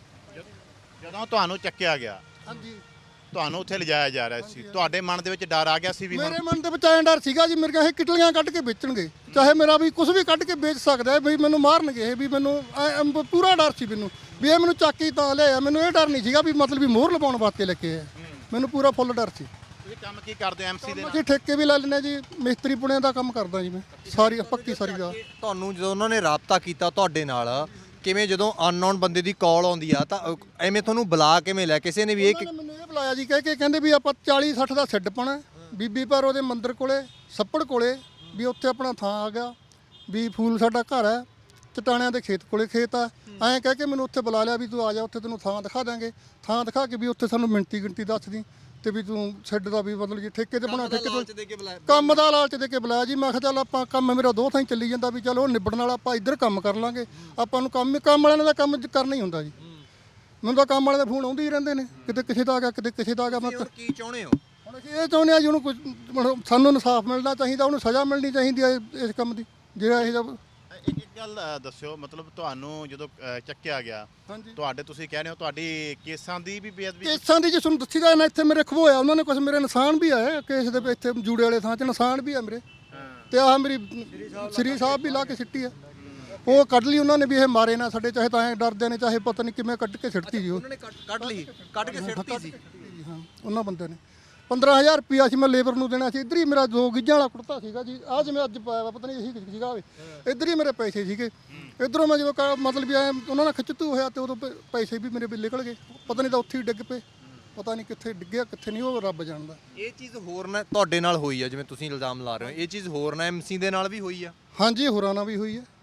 C: ਜਦੋਂ ਤੁਹਾਨੂੰ ਚੱਕਿਆ ਗਿਆ,
A: ਹਾਂਜੀ
C: ਤੁਹਾਨੂੰ ਉੱਥੇ ਲਿਜਾਇਆ ਜਾ ਰਿਹਾ ਸੀ, ਤੁਹਾਡੇ ਮਨ ਦੇ ਵਿੱਚ ਡਰ ਆ ਗਿਆ ਸੀ ਵੀ
A: ਮੇਰੇ ਮਨ ਦੇ ਵਿੱਚ ਐਂ ਡਰ ਸੀਗਾ ਜੀ, ਮੇਰੀਆਂ ਇਹ ਕਿਟਲੀਆਂ ਕੱਢ ਕੇ ਵੇਚਣਗੇ, ਚਾਹੇ ਮੇਰਾ ਵੀ ਕੁਝ ਵੀ ਕੱਢ ਕੇ ਵੇਚ ਸਕਦਾ ਵੀ ਮੈਨੂੰ ਮਾਰਨਗੇ ਇਹ, ਵੀ ਮੈਨੂੰ ਪੂਰਾ ਡਰ ਸੀ ਮੈਨੂੰ ਵੀ ਇਹ ਮੈਨੂੰ ਚਾਕੀ ਤਾਂ ਲਿਆਇਆ। ਮੈਨੂੰ ਇਹ ਡਰ ਨਹੀਂ ਸੀਗਾ ਵੀ ਮਤਲਬ ਵੀ ਮੋਹਰ ਲਵਾਉਣ ਵਾਸਤੇ ਲੈ ਕੇ ਆਇਆ, ਮੈਨੂੰ ਪੂਰਾ ਫੁੱਲ ਡਰ ਸੀ।
C: ਤੁਸੀਂ ਕੰਮ ਕੀ ਕਰਦੇ ਹੋ MC ਦੇ ਨਾਲ?
A: ਅਸੀਂ ਠੇਕੇ ਵੀ ਲੈ ਲੈਂਦੇ ਜੀ, ਮਿਸਤਰੀ ਪੁਣਿਆਂ ਦਾ ਕੰਮ ਕਰਦਾ ਜੀ ਮੈਂ, ਸਾਰੀ ਪੱਕੀ ਸਾਰੀ ਦਾ।
E: ਤੁਹਾਨੂੰ ਜਦੋਂ ਉਹਨਾਂ ਨੇ ਰਾਬਤਾ ਕੀਤਾ ਤੁਹਾਡੇ ਨਾਲ, ਕਿਵੇਂ ਜਦੋਂ ਅਨਨੋਨ ਬੰਦੇ ਦੀ ਕਾਲ ਆਉਂਦੀ ਆ ਤਾਂ ਐਵੇਂ ਤੁਹਾਨੂੰ ਬੁਲਾ ਕਿਵੇਂ ਲਿਆ? ਕਿਸੇ ਨੇ ਵੀ ਇਹ
A: ਮੈਨੂੰ ਇਹ ਬੁਲਾਇਆ ਜੀ, ਕਹਿ ਕੇ ਕਹਿੰਦੇ ਵੀ ਆਪਾਂ 40-60 ਦਾ ਸਿੱਡ ਪਾਣਾ ਬੀਬੀ ਪਰ ਉਹਦੇ ਮੰਦਿਰ ਕੋਲੇ, ਸੱਪੜ ਕੋਲੇ, ਵੀ ਉੱਥੇ ਆਪਣਾ ਥਾਂ ਆ ਗਿਆ, ਵੀ ਫੂਲ ਸਾਡਾ ਘਰ ਹੈ, ਚਟਾਣਿਆਂ ਦੇ ਖੇਤ ਕੋਲੇ ਖੇਤ ਆ। ਐਂ ਕਹਿ ਕੇ ਮੈਨੂੰ ਉੱਥੇ ਬੁਲਾ ਲਿਆ ਵੀ ਤੂੰ ਆ ਜਾ, ਉੱਥੇ ਤੈਨੂੰ ਥਾਂ ਦਿਖਾ ਦਾਂਗੇ। ਥਾਂ ਦਿਖਾ ਕੇ ਵੀ ਉੱਥੇ ਸਾਨੂੰ ਮਿੰਟੀ ਗਿਣਤੀ ਦੱਸ ਦੀ ਤੇ ਵੀ ਤੂੰ ਸਿੱਡ ਦਾ ਵੀ ਮਤਲਬ ਜੀ ਠੇਕੇ ਤੇ ਬਣਾ, ਠੇਕੇ ਤੇ ਕੰਮ ਦਾ ਲਾਲਚ ਦੇ ਕੇ ਬੁਲਾਇਆ ਜੀ। ਮੈਂ ਕਿਹਾ ਚੱਲ ਆਪਾਂ ਕੰਮ ਮੇਰਾ 2 ਥਾਂ ਹੀ ਚੱਲੀ ਜਾਂਦਾ ਵੀ ਚੱਲ ਉਹ ਨਿਬੜਨ ਵਾਲਾ, ਆਪਾਂ ਇੱਧਰ ਕੰਮ ਕਰ ਲਾਂਗੇ। ਆਪਾਂ ਨੂੰ ਕੰਮ ਵਾਲਿਆਂ ਦਾ ਕੰਮ ਕਰਨਾ ਹੀ ਹੁੰਦਾ ਜੀ। ਮੈਨੂੰ ਤਾਂ ਕੰਮ ਵਾਲਿਆਂ ਦੇ ਫੋਨ ਆਉਂਦੇ ਹੀ ਰਹਿੰਦੇ ਨੇ, ਕਿਤੇ ਕਿਸੇ ਦਾ ਆ ਗਿਆ, ਕਿਤੇ ਕਿਸੇ ਦਾ ਆ ਗਿਆ। ਮੈਂ
E: ਕੀ ਚਾਹੁੰਦੇ ਹੋ
A: ਹੁਣ ਅਸੀਂ ਇਹ ਚਾਹੁੰਦੇ ਆ ਜੀ, ਉਹਨੂੰ ਕੁਝ ਸਾਨੂੰ ਇਨਸਾਫ ਮਿਲਣਾ ਚਾਹੀਦਾ, ਉਹਨੂੰ ਸਜ਼ਾ ਮਿਲਣੀ ਚਾਹੀਦੀ ਹੈ ਇਸ ਕੰਮ ਦੀ, ਜਿਹੜਾ ਇਹ ਜਿਹਾ।
C: ਇੱਕ ਗੱਲ ਦੱਸਿਓ, ਮਤਲਬ ਤੁਹਾਨੂੰ ਜਦੋਂ ਚੱਕਿਆ ਗਿਆ,
A: ਹਾਂਜੀ
C: ਤੁਹਾਡੇ ਤੁਸੀਂ ਕਹਿ ਰਹੇ ਹੋ ਤੁਹਾਡੀ ਕੇਸਾਂ ਦੀ ਵੀ ਬੇਅਦਬੀ?
A: ਕੇਸਾਂ ਦੀ ਜੇ ਤੁਹਾਨੂੰ ਦੱਸੀ ਦਾ ਨਾ, ਇੱਥੇ ਮੇਰੇ ਖਵੋਇਆ ਉਹਨਾਂ ਨੇ ਕੁਝ, ਮੇਰੇ ਨਿਸ਼ਾਨ ਵੀ ਆਏ ਕੇਸ ਦੇ, ਇੱਥੇ ਜੂੜੇ ਵਾਲੇ ਥਾਂ 'ਚ ਨਿਸ਼ਾਨ ਵੀ ਆ ਮੇਰੇ, ਤੇ ਆਹ ਮੇਰੀ ਸ੍ਰੀ ਸਾਹਿਬ ਵੀ ਲਾ ਕੇ ਸਿੱਟੀ ਆ, ਉਹ ਕੱਢ ਲਈ ਉਹਨਾਂ ਨੇ ਵੀ ਇਹ ਮਾਰੇ ਨਾ ਸਾਡੇ, ਚਾਹੇ ਤਾਂ ਐਂ ਡਰਦੇ ਨੇ, ਚਾਹੇ ਪਤਾ ਨਹੀਂ ਕਿਵੇਂ ਕੱਢ ਕੇ ਸਿੱਟਤੀ ਜੀ ਉਹ।
E: ਉਹਨਾਂ ਨੇ ਕੱਢ ਕੇ ਸਿੱਟਤੀ ਸੀ?
A: ਹਾਂ ਉਹਨਾਂ ਬੰਦੇ ਨੇ 15,000 ਰੁਪਿਆ ਸੀ ਮੈਂ ਲੇਬਰ ਨੂੰ ਦੇਣਾ ਸੀ। ਇੱਧਰ ਹੀ ਮੇਰਾ 2 ਗਿੱਜਾਂ ਵਾਲਾ ਕੁੜਤਾ ਸੀਗਾ ਜੀ, ਆਹ ਜਿਵੇਂ ਅੱਜ ਪਾਇਆ ਵਾ, ਪਤਾ ਨਹੀਂ ਇਹੀ ਸੀਗਾ ਹੋਵੇ, ਇੱਧਰ ਹੀ ਮੇਰੇ ਪੈਸੇ ਸੀਗੇ। ਇੱਧਰੋਂ ਮੈਂ ਜਦੋਂ ਮਤਲਬ ਵੀ ਉਹਨਾਂ ਨਾਲ ਖਿੱਚਤੂ ਹੋਇਆ ਤੇ ਉਦੋਂ ਪੈਸੇ ਵੀ ਮੇਰੇ ਵੀ ਨਿਕਲ ਗਏ, ਪਤਾ ਨਹੀਂ ਤਾਂ ਉੱਥੇ ਹੀ ਡਿੱਗ ਪਏ, ਪਤਾ ਨਹੀਂ ਕਿੱਥੇ ਡਿੱਗਿਆ ਕਿੱਥੇ ਨਹੀਂ, ਉਹ ਰੱਬ ਜਾਣਦਾ।
E: ਇਹ ਚੀਜ਼ ਹੋਰ ਨਾ ਤੁਹਾਡੇ ਨਾਲ ਹੋਈ ਆ, ਜਿਵੇਂ ਤੁਸੀਂ ਇਲਜ਼ਾਮ ਲਾ ਰਹੇ ਹੋ, ਇਹ ਚੀਜ਼ ਹੋਰ ਨਾ MC ਦੇ ਨਾਲ ਵੀ ਹੋਈ ਆ?
A: ਹਾਂਜੀ ਹੋਰਾਂ ਨਾਲ ਵੀ ਹੋਈ ਹੈ,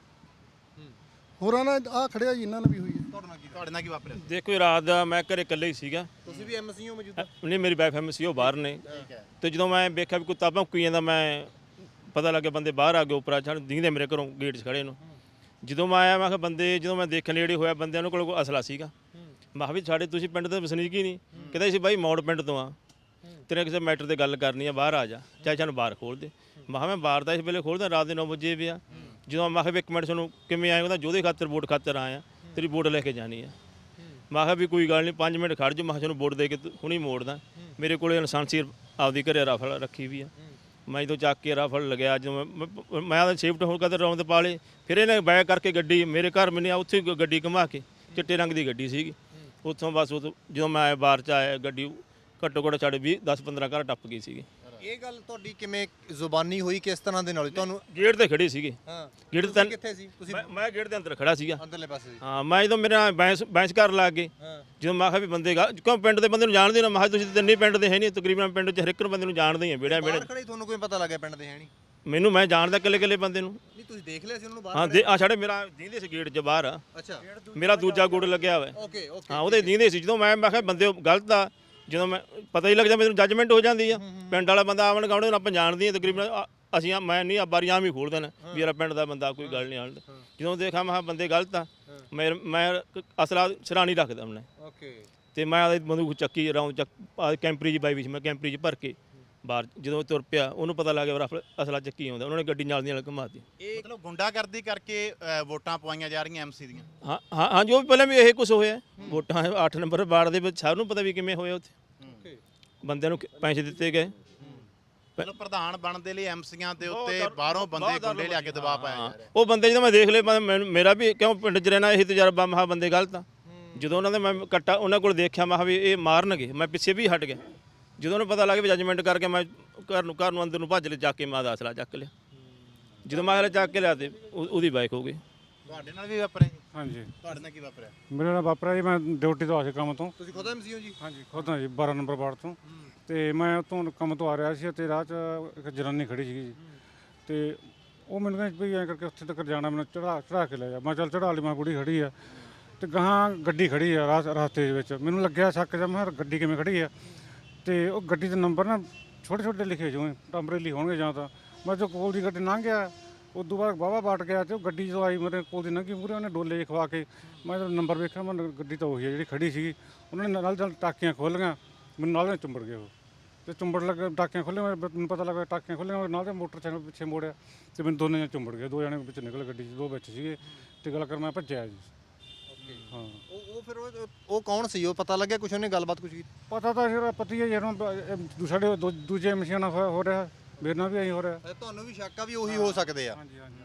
A: ਹੋਰਾਂ ਨਾਲ ਆਹ ਖੜਿਆ ਜੀ, ਇਹਨਾਂ ਨਾਲ ਵੀ ਹੋਈ ਹੈ।
C: ਤੁਹਾਡੇ ਨਾਲ ਕੀ ਵਾਪਰਿਆ?
F: ਦੇਖੋ ਰਾਤ ਦਾ ਮੈਂ ਘਰੇ ਇਕੱਲੇ ਹੀ ਸੀਗਾ।
E: ਤੁਸੀਂ ਵੀ MC ਹੋ ਮੌਜੂਦਾ?
F: ਨਹੀਂ ਮੇਰੀ ਵਾਈਫ MC ਉਹ ਬਾਹਰ ਨੇ। ਤੇ ਜਦੋਂ ਮੈਂ ਵੇਖਿਆ ਵੀ ਕੁੱਤਾ ਭੌਂਕੀ ਜਾਂਦਾ, ਮੈਂ ਪਤਾ ਲੱਗਿਆ ਬੰਦੇ ਬਾਹਰ ਆ ਗਏ, ਉੱਪਰ ਆ ਦਿਖਦੇ ਮੇਰੇ ਘਰੋਂ ਗੇਟ 'ਚ ਖੜੇ ਨੂੰ। ਜਦੋਂ ਮੈਂ ਆਇਆ ਮੈਂ ਕਿਹਾ ਬੰਦੇ, ਜਦੋਂ ਮੈਂ ਦੇਖਣ ਨੇੜੇ ਹੋਇਆ ਬੰਦਿਆਂ ਨੂੰ ਕੋਲ ਕੋਈ ਅਸਲਾ ਸੀਗਾ। ਮੈਂ ਕਿਹਾ ਵੀ ਸਾਡੇ ਤੁਸੀਂ ਪਿੰਡ ਦੇ ਵਸਨੀਕ ਹੀ ਨਹੀਂ? ਕਹਿੰਦਾ ਸੀ ਬਾਈ ਮੌੜ ਪਿੰਡ ਤੋਂ ਆ, ਤੇਰੇ ਕਿਸੇ ਮੈਟਰ ਤੇ ਗੱਲ ਕਰਨੀ ਆ, ਬਾਹਰ ਆ ਜਾ, ਚਾਹੇ ਸਾਨੂੰ ਬਾਹਰ ਖੋਲ ਦੇ। ਮੈਂ ਕਿਹਾ ਮੈਂ ਬਾਹਰ ਤਾਂ ਇਸ ਵੇਲੇ ਖੋਲਦਾ, ਰਾਤ ਦੇ 9 ਵਜੇ ਵੀ ਆ। ਜਦੋਂ ਮੈਂ ਕਿਹਾ ਵੀ 1 ਮਿੰਟ ਤੁਹਾਨੂੰ ਕਿਵੇਂ ਆਏ, ਕਹਿੰਦਾ ਜੋਦੇ ਖਾਤਰ ਵੋਟ ਖਾਤਰ ਆਇਆ, ਤੇਰੀ ਵੋਟ ਲੈ ਕੇ ਜਾਣੀ ਆ। ਮੈਂ ਕਿਹਾ ਵੀ ਕੋਈ ਗੱਲ ਨਹੀਂ 5 ਮਿੰਟ ਖੜ੍ਹ ਜਾਓ, ਮੈਂ ਕਿਹਾ ਤੁਹਾਨੂੰ ਵੋਟ ਦੇ ਕੇ ਹੁਣੀ ਮੋੜਦਾ। ਮੇਰੇ ਕੋਲ ਲਾਇਸੈਂਸ ਆਪਦੀ ਘਰੇ ਰਫਲ ਰੱਖੀ ਵੀ ਆ, ਮੈਂ ਜਦੋਂ ਚੱਕ ਕੇ ਰਫਲ ਲਗਿਆ ਜਦੋਂ ਮੈਂ ਤਾਂ ਸ਼ਿਫਟ ਹੋ ਕੇ ਰੌਂਦ ਪਾ ਲਏ, ਫਿਰ ਇਹਨੇ ਬੈਕ ਕਰਕੇ ਗੱਡੀ ਮੇਰੇ ਘਰ ਮੈਨੇ ਉੱਥੇ ਹੀ ਗੱਡੀ ਘੁਮਾ ਕੇ, ਚਿੱਟੇ ਰੰਗ ਦੀ ਗੱਡੀ ਸੀਗੀ, ਉੱਥੋਂ ਬਸ ਜਦੋਂ ਮੈਂ ਬਾਹਰ 'ਚ ਆਇਆ ਗੱਡੀ ਘੱਟੋ ਘੱਟ ਸਾਡੇ 10-15 ਘਰ ਟੱਪ ਗਈ ਸੀਗੀ।
E: ਇਹ ਗੱਲ ਤੁਹਾਡੀ ਕਿਵੇਂ ਜ਼ੁਬਾਨੀ ਹੋਈ, ਕਿਸ ਤਰ੍ਹਾਂ ਦੇ ਨਾਲ ਹੋਈ? ਤੁਹਾਨੂੰ
F: ਗੇਟ ਤੇ ਖੜੇ ਸੀਗੇ,
E: ਹਾਂ
F: ਗੇਟ
E: ਤੁਸੀਂ
F: ਤੇ
E: ਕਿੱਥੇ ਸੀ? ਤੁਸੀਂ
F: ਮੈਂ ਗੇਟ ਦੇ ਅੰਦਰ ਖੜਾ ਸੀਗਾ,
E: ਅੰਦਰਲੇ ਪਾਸੇ ਸੀ।
F: ਹਾਂ। ਮੈਂ ਜਦੋਂ ਮੇਰੇ ਨਾਲ ਬੈਂਸ ਕਰਨ ਲੱਗ ਗਏ,
E: ਹਾਂ
F: ਜਦੋਂ ਮੈਂ ਕਿਹਾ ਵੀ ਬੰਦੇ ਕਿਉਂ ਪਿੰਡ ਦੇ ਬੰਦੇ ਨੂੰ ਜਾਣਦੇ ਨਾ, ਮੈਂ ਕਿਹਾ ਤੁਸੀਂ ਤਿੰਨੇ ਪਿੰਡ ਦੇ ਹੈ ਨਹੀਂ, ਤਕਰੀਬਨ ਪਿੰਡ 'ਚ ਹਰ ਇੱਕ ਬੰਦੇ ਨੂੰ ਜਾਣਦੇ ਹੀ ਆ, ਵਿਹੜਿਆਂ
E: ਬਾਹਰ ਖੜੇ ਤੁਹਾਨੂੰ ਕੋਈ ਪਤਾ ਲੱਗਿਆ ਪਿੰਡ ਦੇ ਹੈ ਨਹੀਂ?
F: ਮੈਨੂੰ ਮੈਂ ਜਾਣਦਾ ਇਕੱਲੇ ਬੰਦੇ ਨੂੰ।
E: ਨਹੀਂ ਤੁਸੀਂ ਦੇਖ ਲਿਆ ਸੀ ਉਹਨਾਂ ਨੂੰ
F: ਹਾਂ
E: ਬਾਹਰ?
F: ਆ ਸਾਡੇ ਮੇਰਾ ਦੀਂਦੇ ਸੀ ਗੇਟ 'ਚ ਬਾਹਰ ਆ,
E: ਅੱਛਾ
F: ਮੇਰਾ ਦੂਜਾ ਗੁੜ ਲੱਗਿਆ ਹੋਇਆ,
E: ਓਕੇ ਓਕੇ।
F: ਹਾਂ ਉਹਦੇ ਦੀਂਦੇ ਸੀ। ਜਦੋਂ ਮੈਂ ਕਿਹਾ ਬੰਦੇ ਗਲਤ ਆ, ਜਦੋਂ ਮੈਂ ਪਤਾ ਹੀ ਲੱਗ ਜਾਂਦਾ ਮੈਨੂੰ ਜੱਜਮੈਂਟ ਹੋ ਜਾਂਦੀ ਆ। ਪਿੰਡ ਵਾਲਾ ਬੰਦਾ ਆਵਣ ਗਾਉਣੇ ਨੂੰ ਆਪਾਂ ਜਾਣਦੇ ਹਾਂ ਤਕਰੀਬਨ, ਅਸੀਂ ਮੈਂ ਨਹੀਂ ਬਾਰੀ ਆਮ ਹੀ ਖੋਲ ਦੇਣਾ ਵੀ ਯਾਰ ਪਿੰਡ ਦਾ ਬੰਦਾ ਕੋਈ ਗੱਲ ਨਹੀਂ ਆਉਂਦਾ। ਜਦੋਂ ਦੇਖਾਂ ਮੈਂ ਬੰਦੇ ਗਲਤ ਆ, ਮੈਂ ਅਸਲਾ ਸਿਰਾ ਨਹੀਂ ਰੱਖਦਾ ਮੈਂ,
E: ਓਕੇ।
F: ਤੇ ਮੈਂ ਆਦੇ ਬੰਦੂਕ ਚੱਕੀ ਰਾਉਂਡ ਕੈਂਪਰੀ 'ਚ ਬਾਈ ਵੀ ਸੀ, ਮੈਂ ਕੈਂਪਰੀ 'ਚ ਭਰ ਕੇ ਬਾਹਰ ਜਦੋਂ ਤੁਰ ਪਿਆ, ਉਹਨੂੰ ਪਤਾ ਲੱਗ ਗਿਆ ਰਫਲ ਅਸਲਾ ਚੱਕੀ ਆਉਂਦਾ, ਉਹਨਾਂ ਨੇ ਗੱਡੀ ਨਾਲ ਦੀ ਨਾਲ ਘੁਮਾਤੀ।
C: ਮਤਲਬ ਗੁੰਡਾਗਰਦੀ ਕਰਕੇ ਵੋਟਾਂ ਪਵਾਈਆਂ ਜਾ ਰਹੀਆਂ ਐਮਸੀ ਦੀਆਂ।
F: ਹਾਂ ਜੋ ਵੀ ਪਹਿਲਾਂ ਵੀ ਇਹ ਕੁਝ ਹੋਇਆ, ਵੋਟਾਂ 8 ਨੰਬਰ ਵਾਰਡ ਦੇ ਵਿੱਚ ਸਭ ਨੂੰ ਪਤਾ ਵੀ ਕਿਵੇਂ ਹੋਇਆ, ਉੱਥੇ ਬੰਦਿਆਂ ਨੂੰ ਪੈਸੇ ਦਿੱਤੇ ਗਏ।
C: ਮਤਲਬ ਪ੍ਰਧਾਨ ਬਣਨ ਦੇ ਲਈ ਐਮਸੀਆਂ ਦੇ ਉੱਤੇ ਬਾਹਰੋਂ ਬੰਦੇ ਗੁੰਡੇ ਲਿਆ ਕੇ ਦਬਾਅ ਪਾਇਆ ਜਾ ਰਿਹਾ।
F: ਉਹ ਬੰਦੇ ਜਦੋਂ ਮੈਂ ਦੇਖ ਲਏ ਮੇਰਾ ਵੀ ਕਿਉਂ ਪਿੰਡ 'ਚ ਰਹਿਣਾ ਇਹੀ ਤਜਰਬਾ, ਮਹਾ ਬੰਦੇ ਗਲਤ ਆ। ਜਦੋਂ ਉਹਨਾਂ ਦੇ ਮੈਂ ਕੱਟਾ ਉਹਨਾਂ ਕੋਲ ਦੇਖਿਆ, ਮੈਂ ਵੀ ਇਹ ਮਾਰਨਗੇ, ਮੈਂ ਪਿੱਛੇ ਵੀ ਹਟ ਗਿਆ। ਜਦੋਂ ਉਹਨੂੰ ਪਤਾ ਲੱਗ ਗਿਆ ਜੱਜਮੈਂਟ ਕਰਕੇ ਮੈਂ ਘਰ ਨੂੰ ਅੰਦਰ ਨੂੰ ਭੱਜ ਲਿਆ, ਚੱਕ ਕੇ ਮੈਂ ਦਾ ਅਸਲਾ ਚੱਕ ਲਿਆ। ਜਦੋਂ ਮੈਂ ਅਸਲਾ ਚੱਕ ਕੇ ਲਿਆ ਤੇ ਉਹਦੀ ਬਾਈਕ ਹੋ ਗਈ।
C: ਤੁਹਾਡੇ ਨਾਲ ਵੀ ਵਾਪਰਿਆ ਜੀ?
G: ਹਾਂਜੀ।
C: ਤੁਹਾਡੇ ਨਾਲ ਕੀ ਵਾਪਰਿਆ?
G: ਮੇਰੇ ਨਾਲ ਵਾਪਰਿਆ ਜੀ, ਮੈਂ ਡਿਊਟੀ ਤੋਂ ਆ ਸੀ ਕੰਮ ਤੋਂ।
E: ਤੁਸੀਂ ਖੁਦ ਐਮਸੀ ਹੋ ਜੀ?
G: ਹਾਂਜੀ ਖੁਦ ਹਾਂ ਜੀ, 12 ਨੰਬਰ ਵਾਰਡ ਤੋਂ। ਤੇ ਮੈਂ ਉੱਥੋਂ ਕੰਮ ਤੋਂ ਆ ਰਿਹਾ ਸੀ ਤੇ ਰਾਹ 'ਚ ਇੱਕ ਜਨਾਨੀ ਖੜੀ ਸੀਗੀ ਜੀ, ਤੇ ਉਹ ਮੈਨੂੰ ਕਹਿੰਦੀ ਵੀ ਐਂ ਕਰਕੇ ਉੱਥੇ ਤੱਕ ਜਾਣਾ, ਮੈਨੂੰ ਚੜਾ ਕੇ ਲੈ ਜਾ। ਮੈਂ ਚੱਲ ਚੜਾ ਲਈ, ਮੈਂ ਕੁੜੀ ਖੜੀ ਆ ਤੇ ਗਾਹਾਂ ਗੱਡੀ ਖੜੀ ਆ ਰਸਤੇ ਦੇ ਵਿੱਚ। ਮੈਨੂੰ ਲੱਗਿਆ ਸ਼ੱਕ ਜਿਹਾ, ਮੈਂ ਗੱਡੀ ਕਿਵੇਂ ਖੜੀ ਆ, ਤੇ ਉਹ ਗੱਡੀ ਦੇ ਨੰਬਰ ਨਾ ਛੋਟੇ ਲਿਖੇ ਜਿਵੇਂ ਟੰਬਰੇਲੀ ਹੋਣਗੇ ਜਾਂ ਤਾਂ। ਮੈਂ ਜੋ ਕੋਲ ਦੀ ਗੱਡੀ ਲੰਘ ਗਿਆ, ਉਦੋਂ ਬਾਅਦ ਵਾਹਵਾ ਬਾਟ ਗਿਆ ਤੇ ਉਹ ਗੱਡੀ ਜਦੋਂ ਆਈ ਮੇਰੇ ਕੋਲ ਦੀ ਲੰਘੀ ਮੂਹਰੇ, ਉਹਨੇ ਡੋਲੇ ਖਵਾ ਕੇ, ਮੈਂ ਜਦੋਂ ਨੰਬਰ ਵੇਖਿਆ, ਮੈਂ ਗੱਡੀ ਤਾਂ ਉਹੀ ਹੈ ਜਿਹੜੀ ਖੜੀ ਸੀਗੀ। ਉਹਨਾਂ ਨੇ ਨਾਲ ਟਾਕੀਆਂ ਖੋਲ੍ਹੀਆਂ, ਮੈਨੂੰ ਨਾਲ ਚੁੰਬੜ ਗਏ ਉਹ, ਤੇ ਚੁੰਬੜ ਲੱਗੇ ਟਾਕੀਆਂ ਖੋਲ੍ਹੀਆਂ, ਮੈਨੂੰ ਪਤਾ ਲੱਗਾ ਟਾਕੀਆਂ ਖੋਲ੍ਹੀਆਂ, ਨਾਲ ਦੇ ਮੋਟਰਸਾਈਕਲ ਪਿੱਛੇ ਮੋੜਿਆ ਤੇ ਮੈਨੂੰ ਦੋਨੇ ਚੁੰਬੜ ਗਏ। 2 ਜਣੇ ਵਿੱਚ ਨਿਕਲ ਗੱਡੀ 'ਚ, 2 ਵਿੱਚ ਸੀਗੇ ਤੇ ਗੱਲ ਕਰ ਮੈਂ ਭੱਜਿਆ ਜੀ। ਹਾਂ
E: ਉਹ ਫਿਰ ਉਹ ਕੌਣ ਸੀ? ਉਹ ਪਤਾ ਲੱਗਿਆ ਕੁਛ? ਉਹਨੇ ਗੱਲਬਾਤ ਕੁਛ ਕੀਤੀ?
G: ਪਤਾ ਤਾਂ ਫਿਰ ਪਤਾ ਹੀ ਹੈ ਜਦੋਂ ਸਾਡੇ ਦੂਜੇ ਮਸ਼ੀਨਾਂ ਨਾਲ ਹੋ ਰਿਹਾ, ਮੇਰੇ ਨਾਲ ਵੀ ਐਂ ਹੋ ਰਿਹਾ।
E: ਤੁਹਾਨੂੰ ਵੀ ਸ਼ੱਕ ਆ ਵੀ ਉਹੀ ਹੋ ਸਕਦੇ ਆ?
G: ਹਾਂਜੀ ਹਾਂਜੀ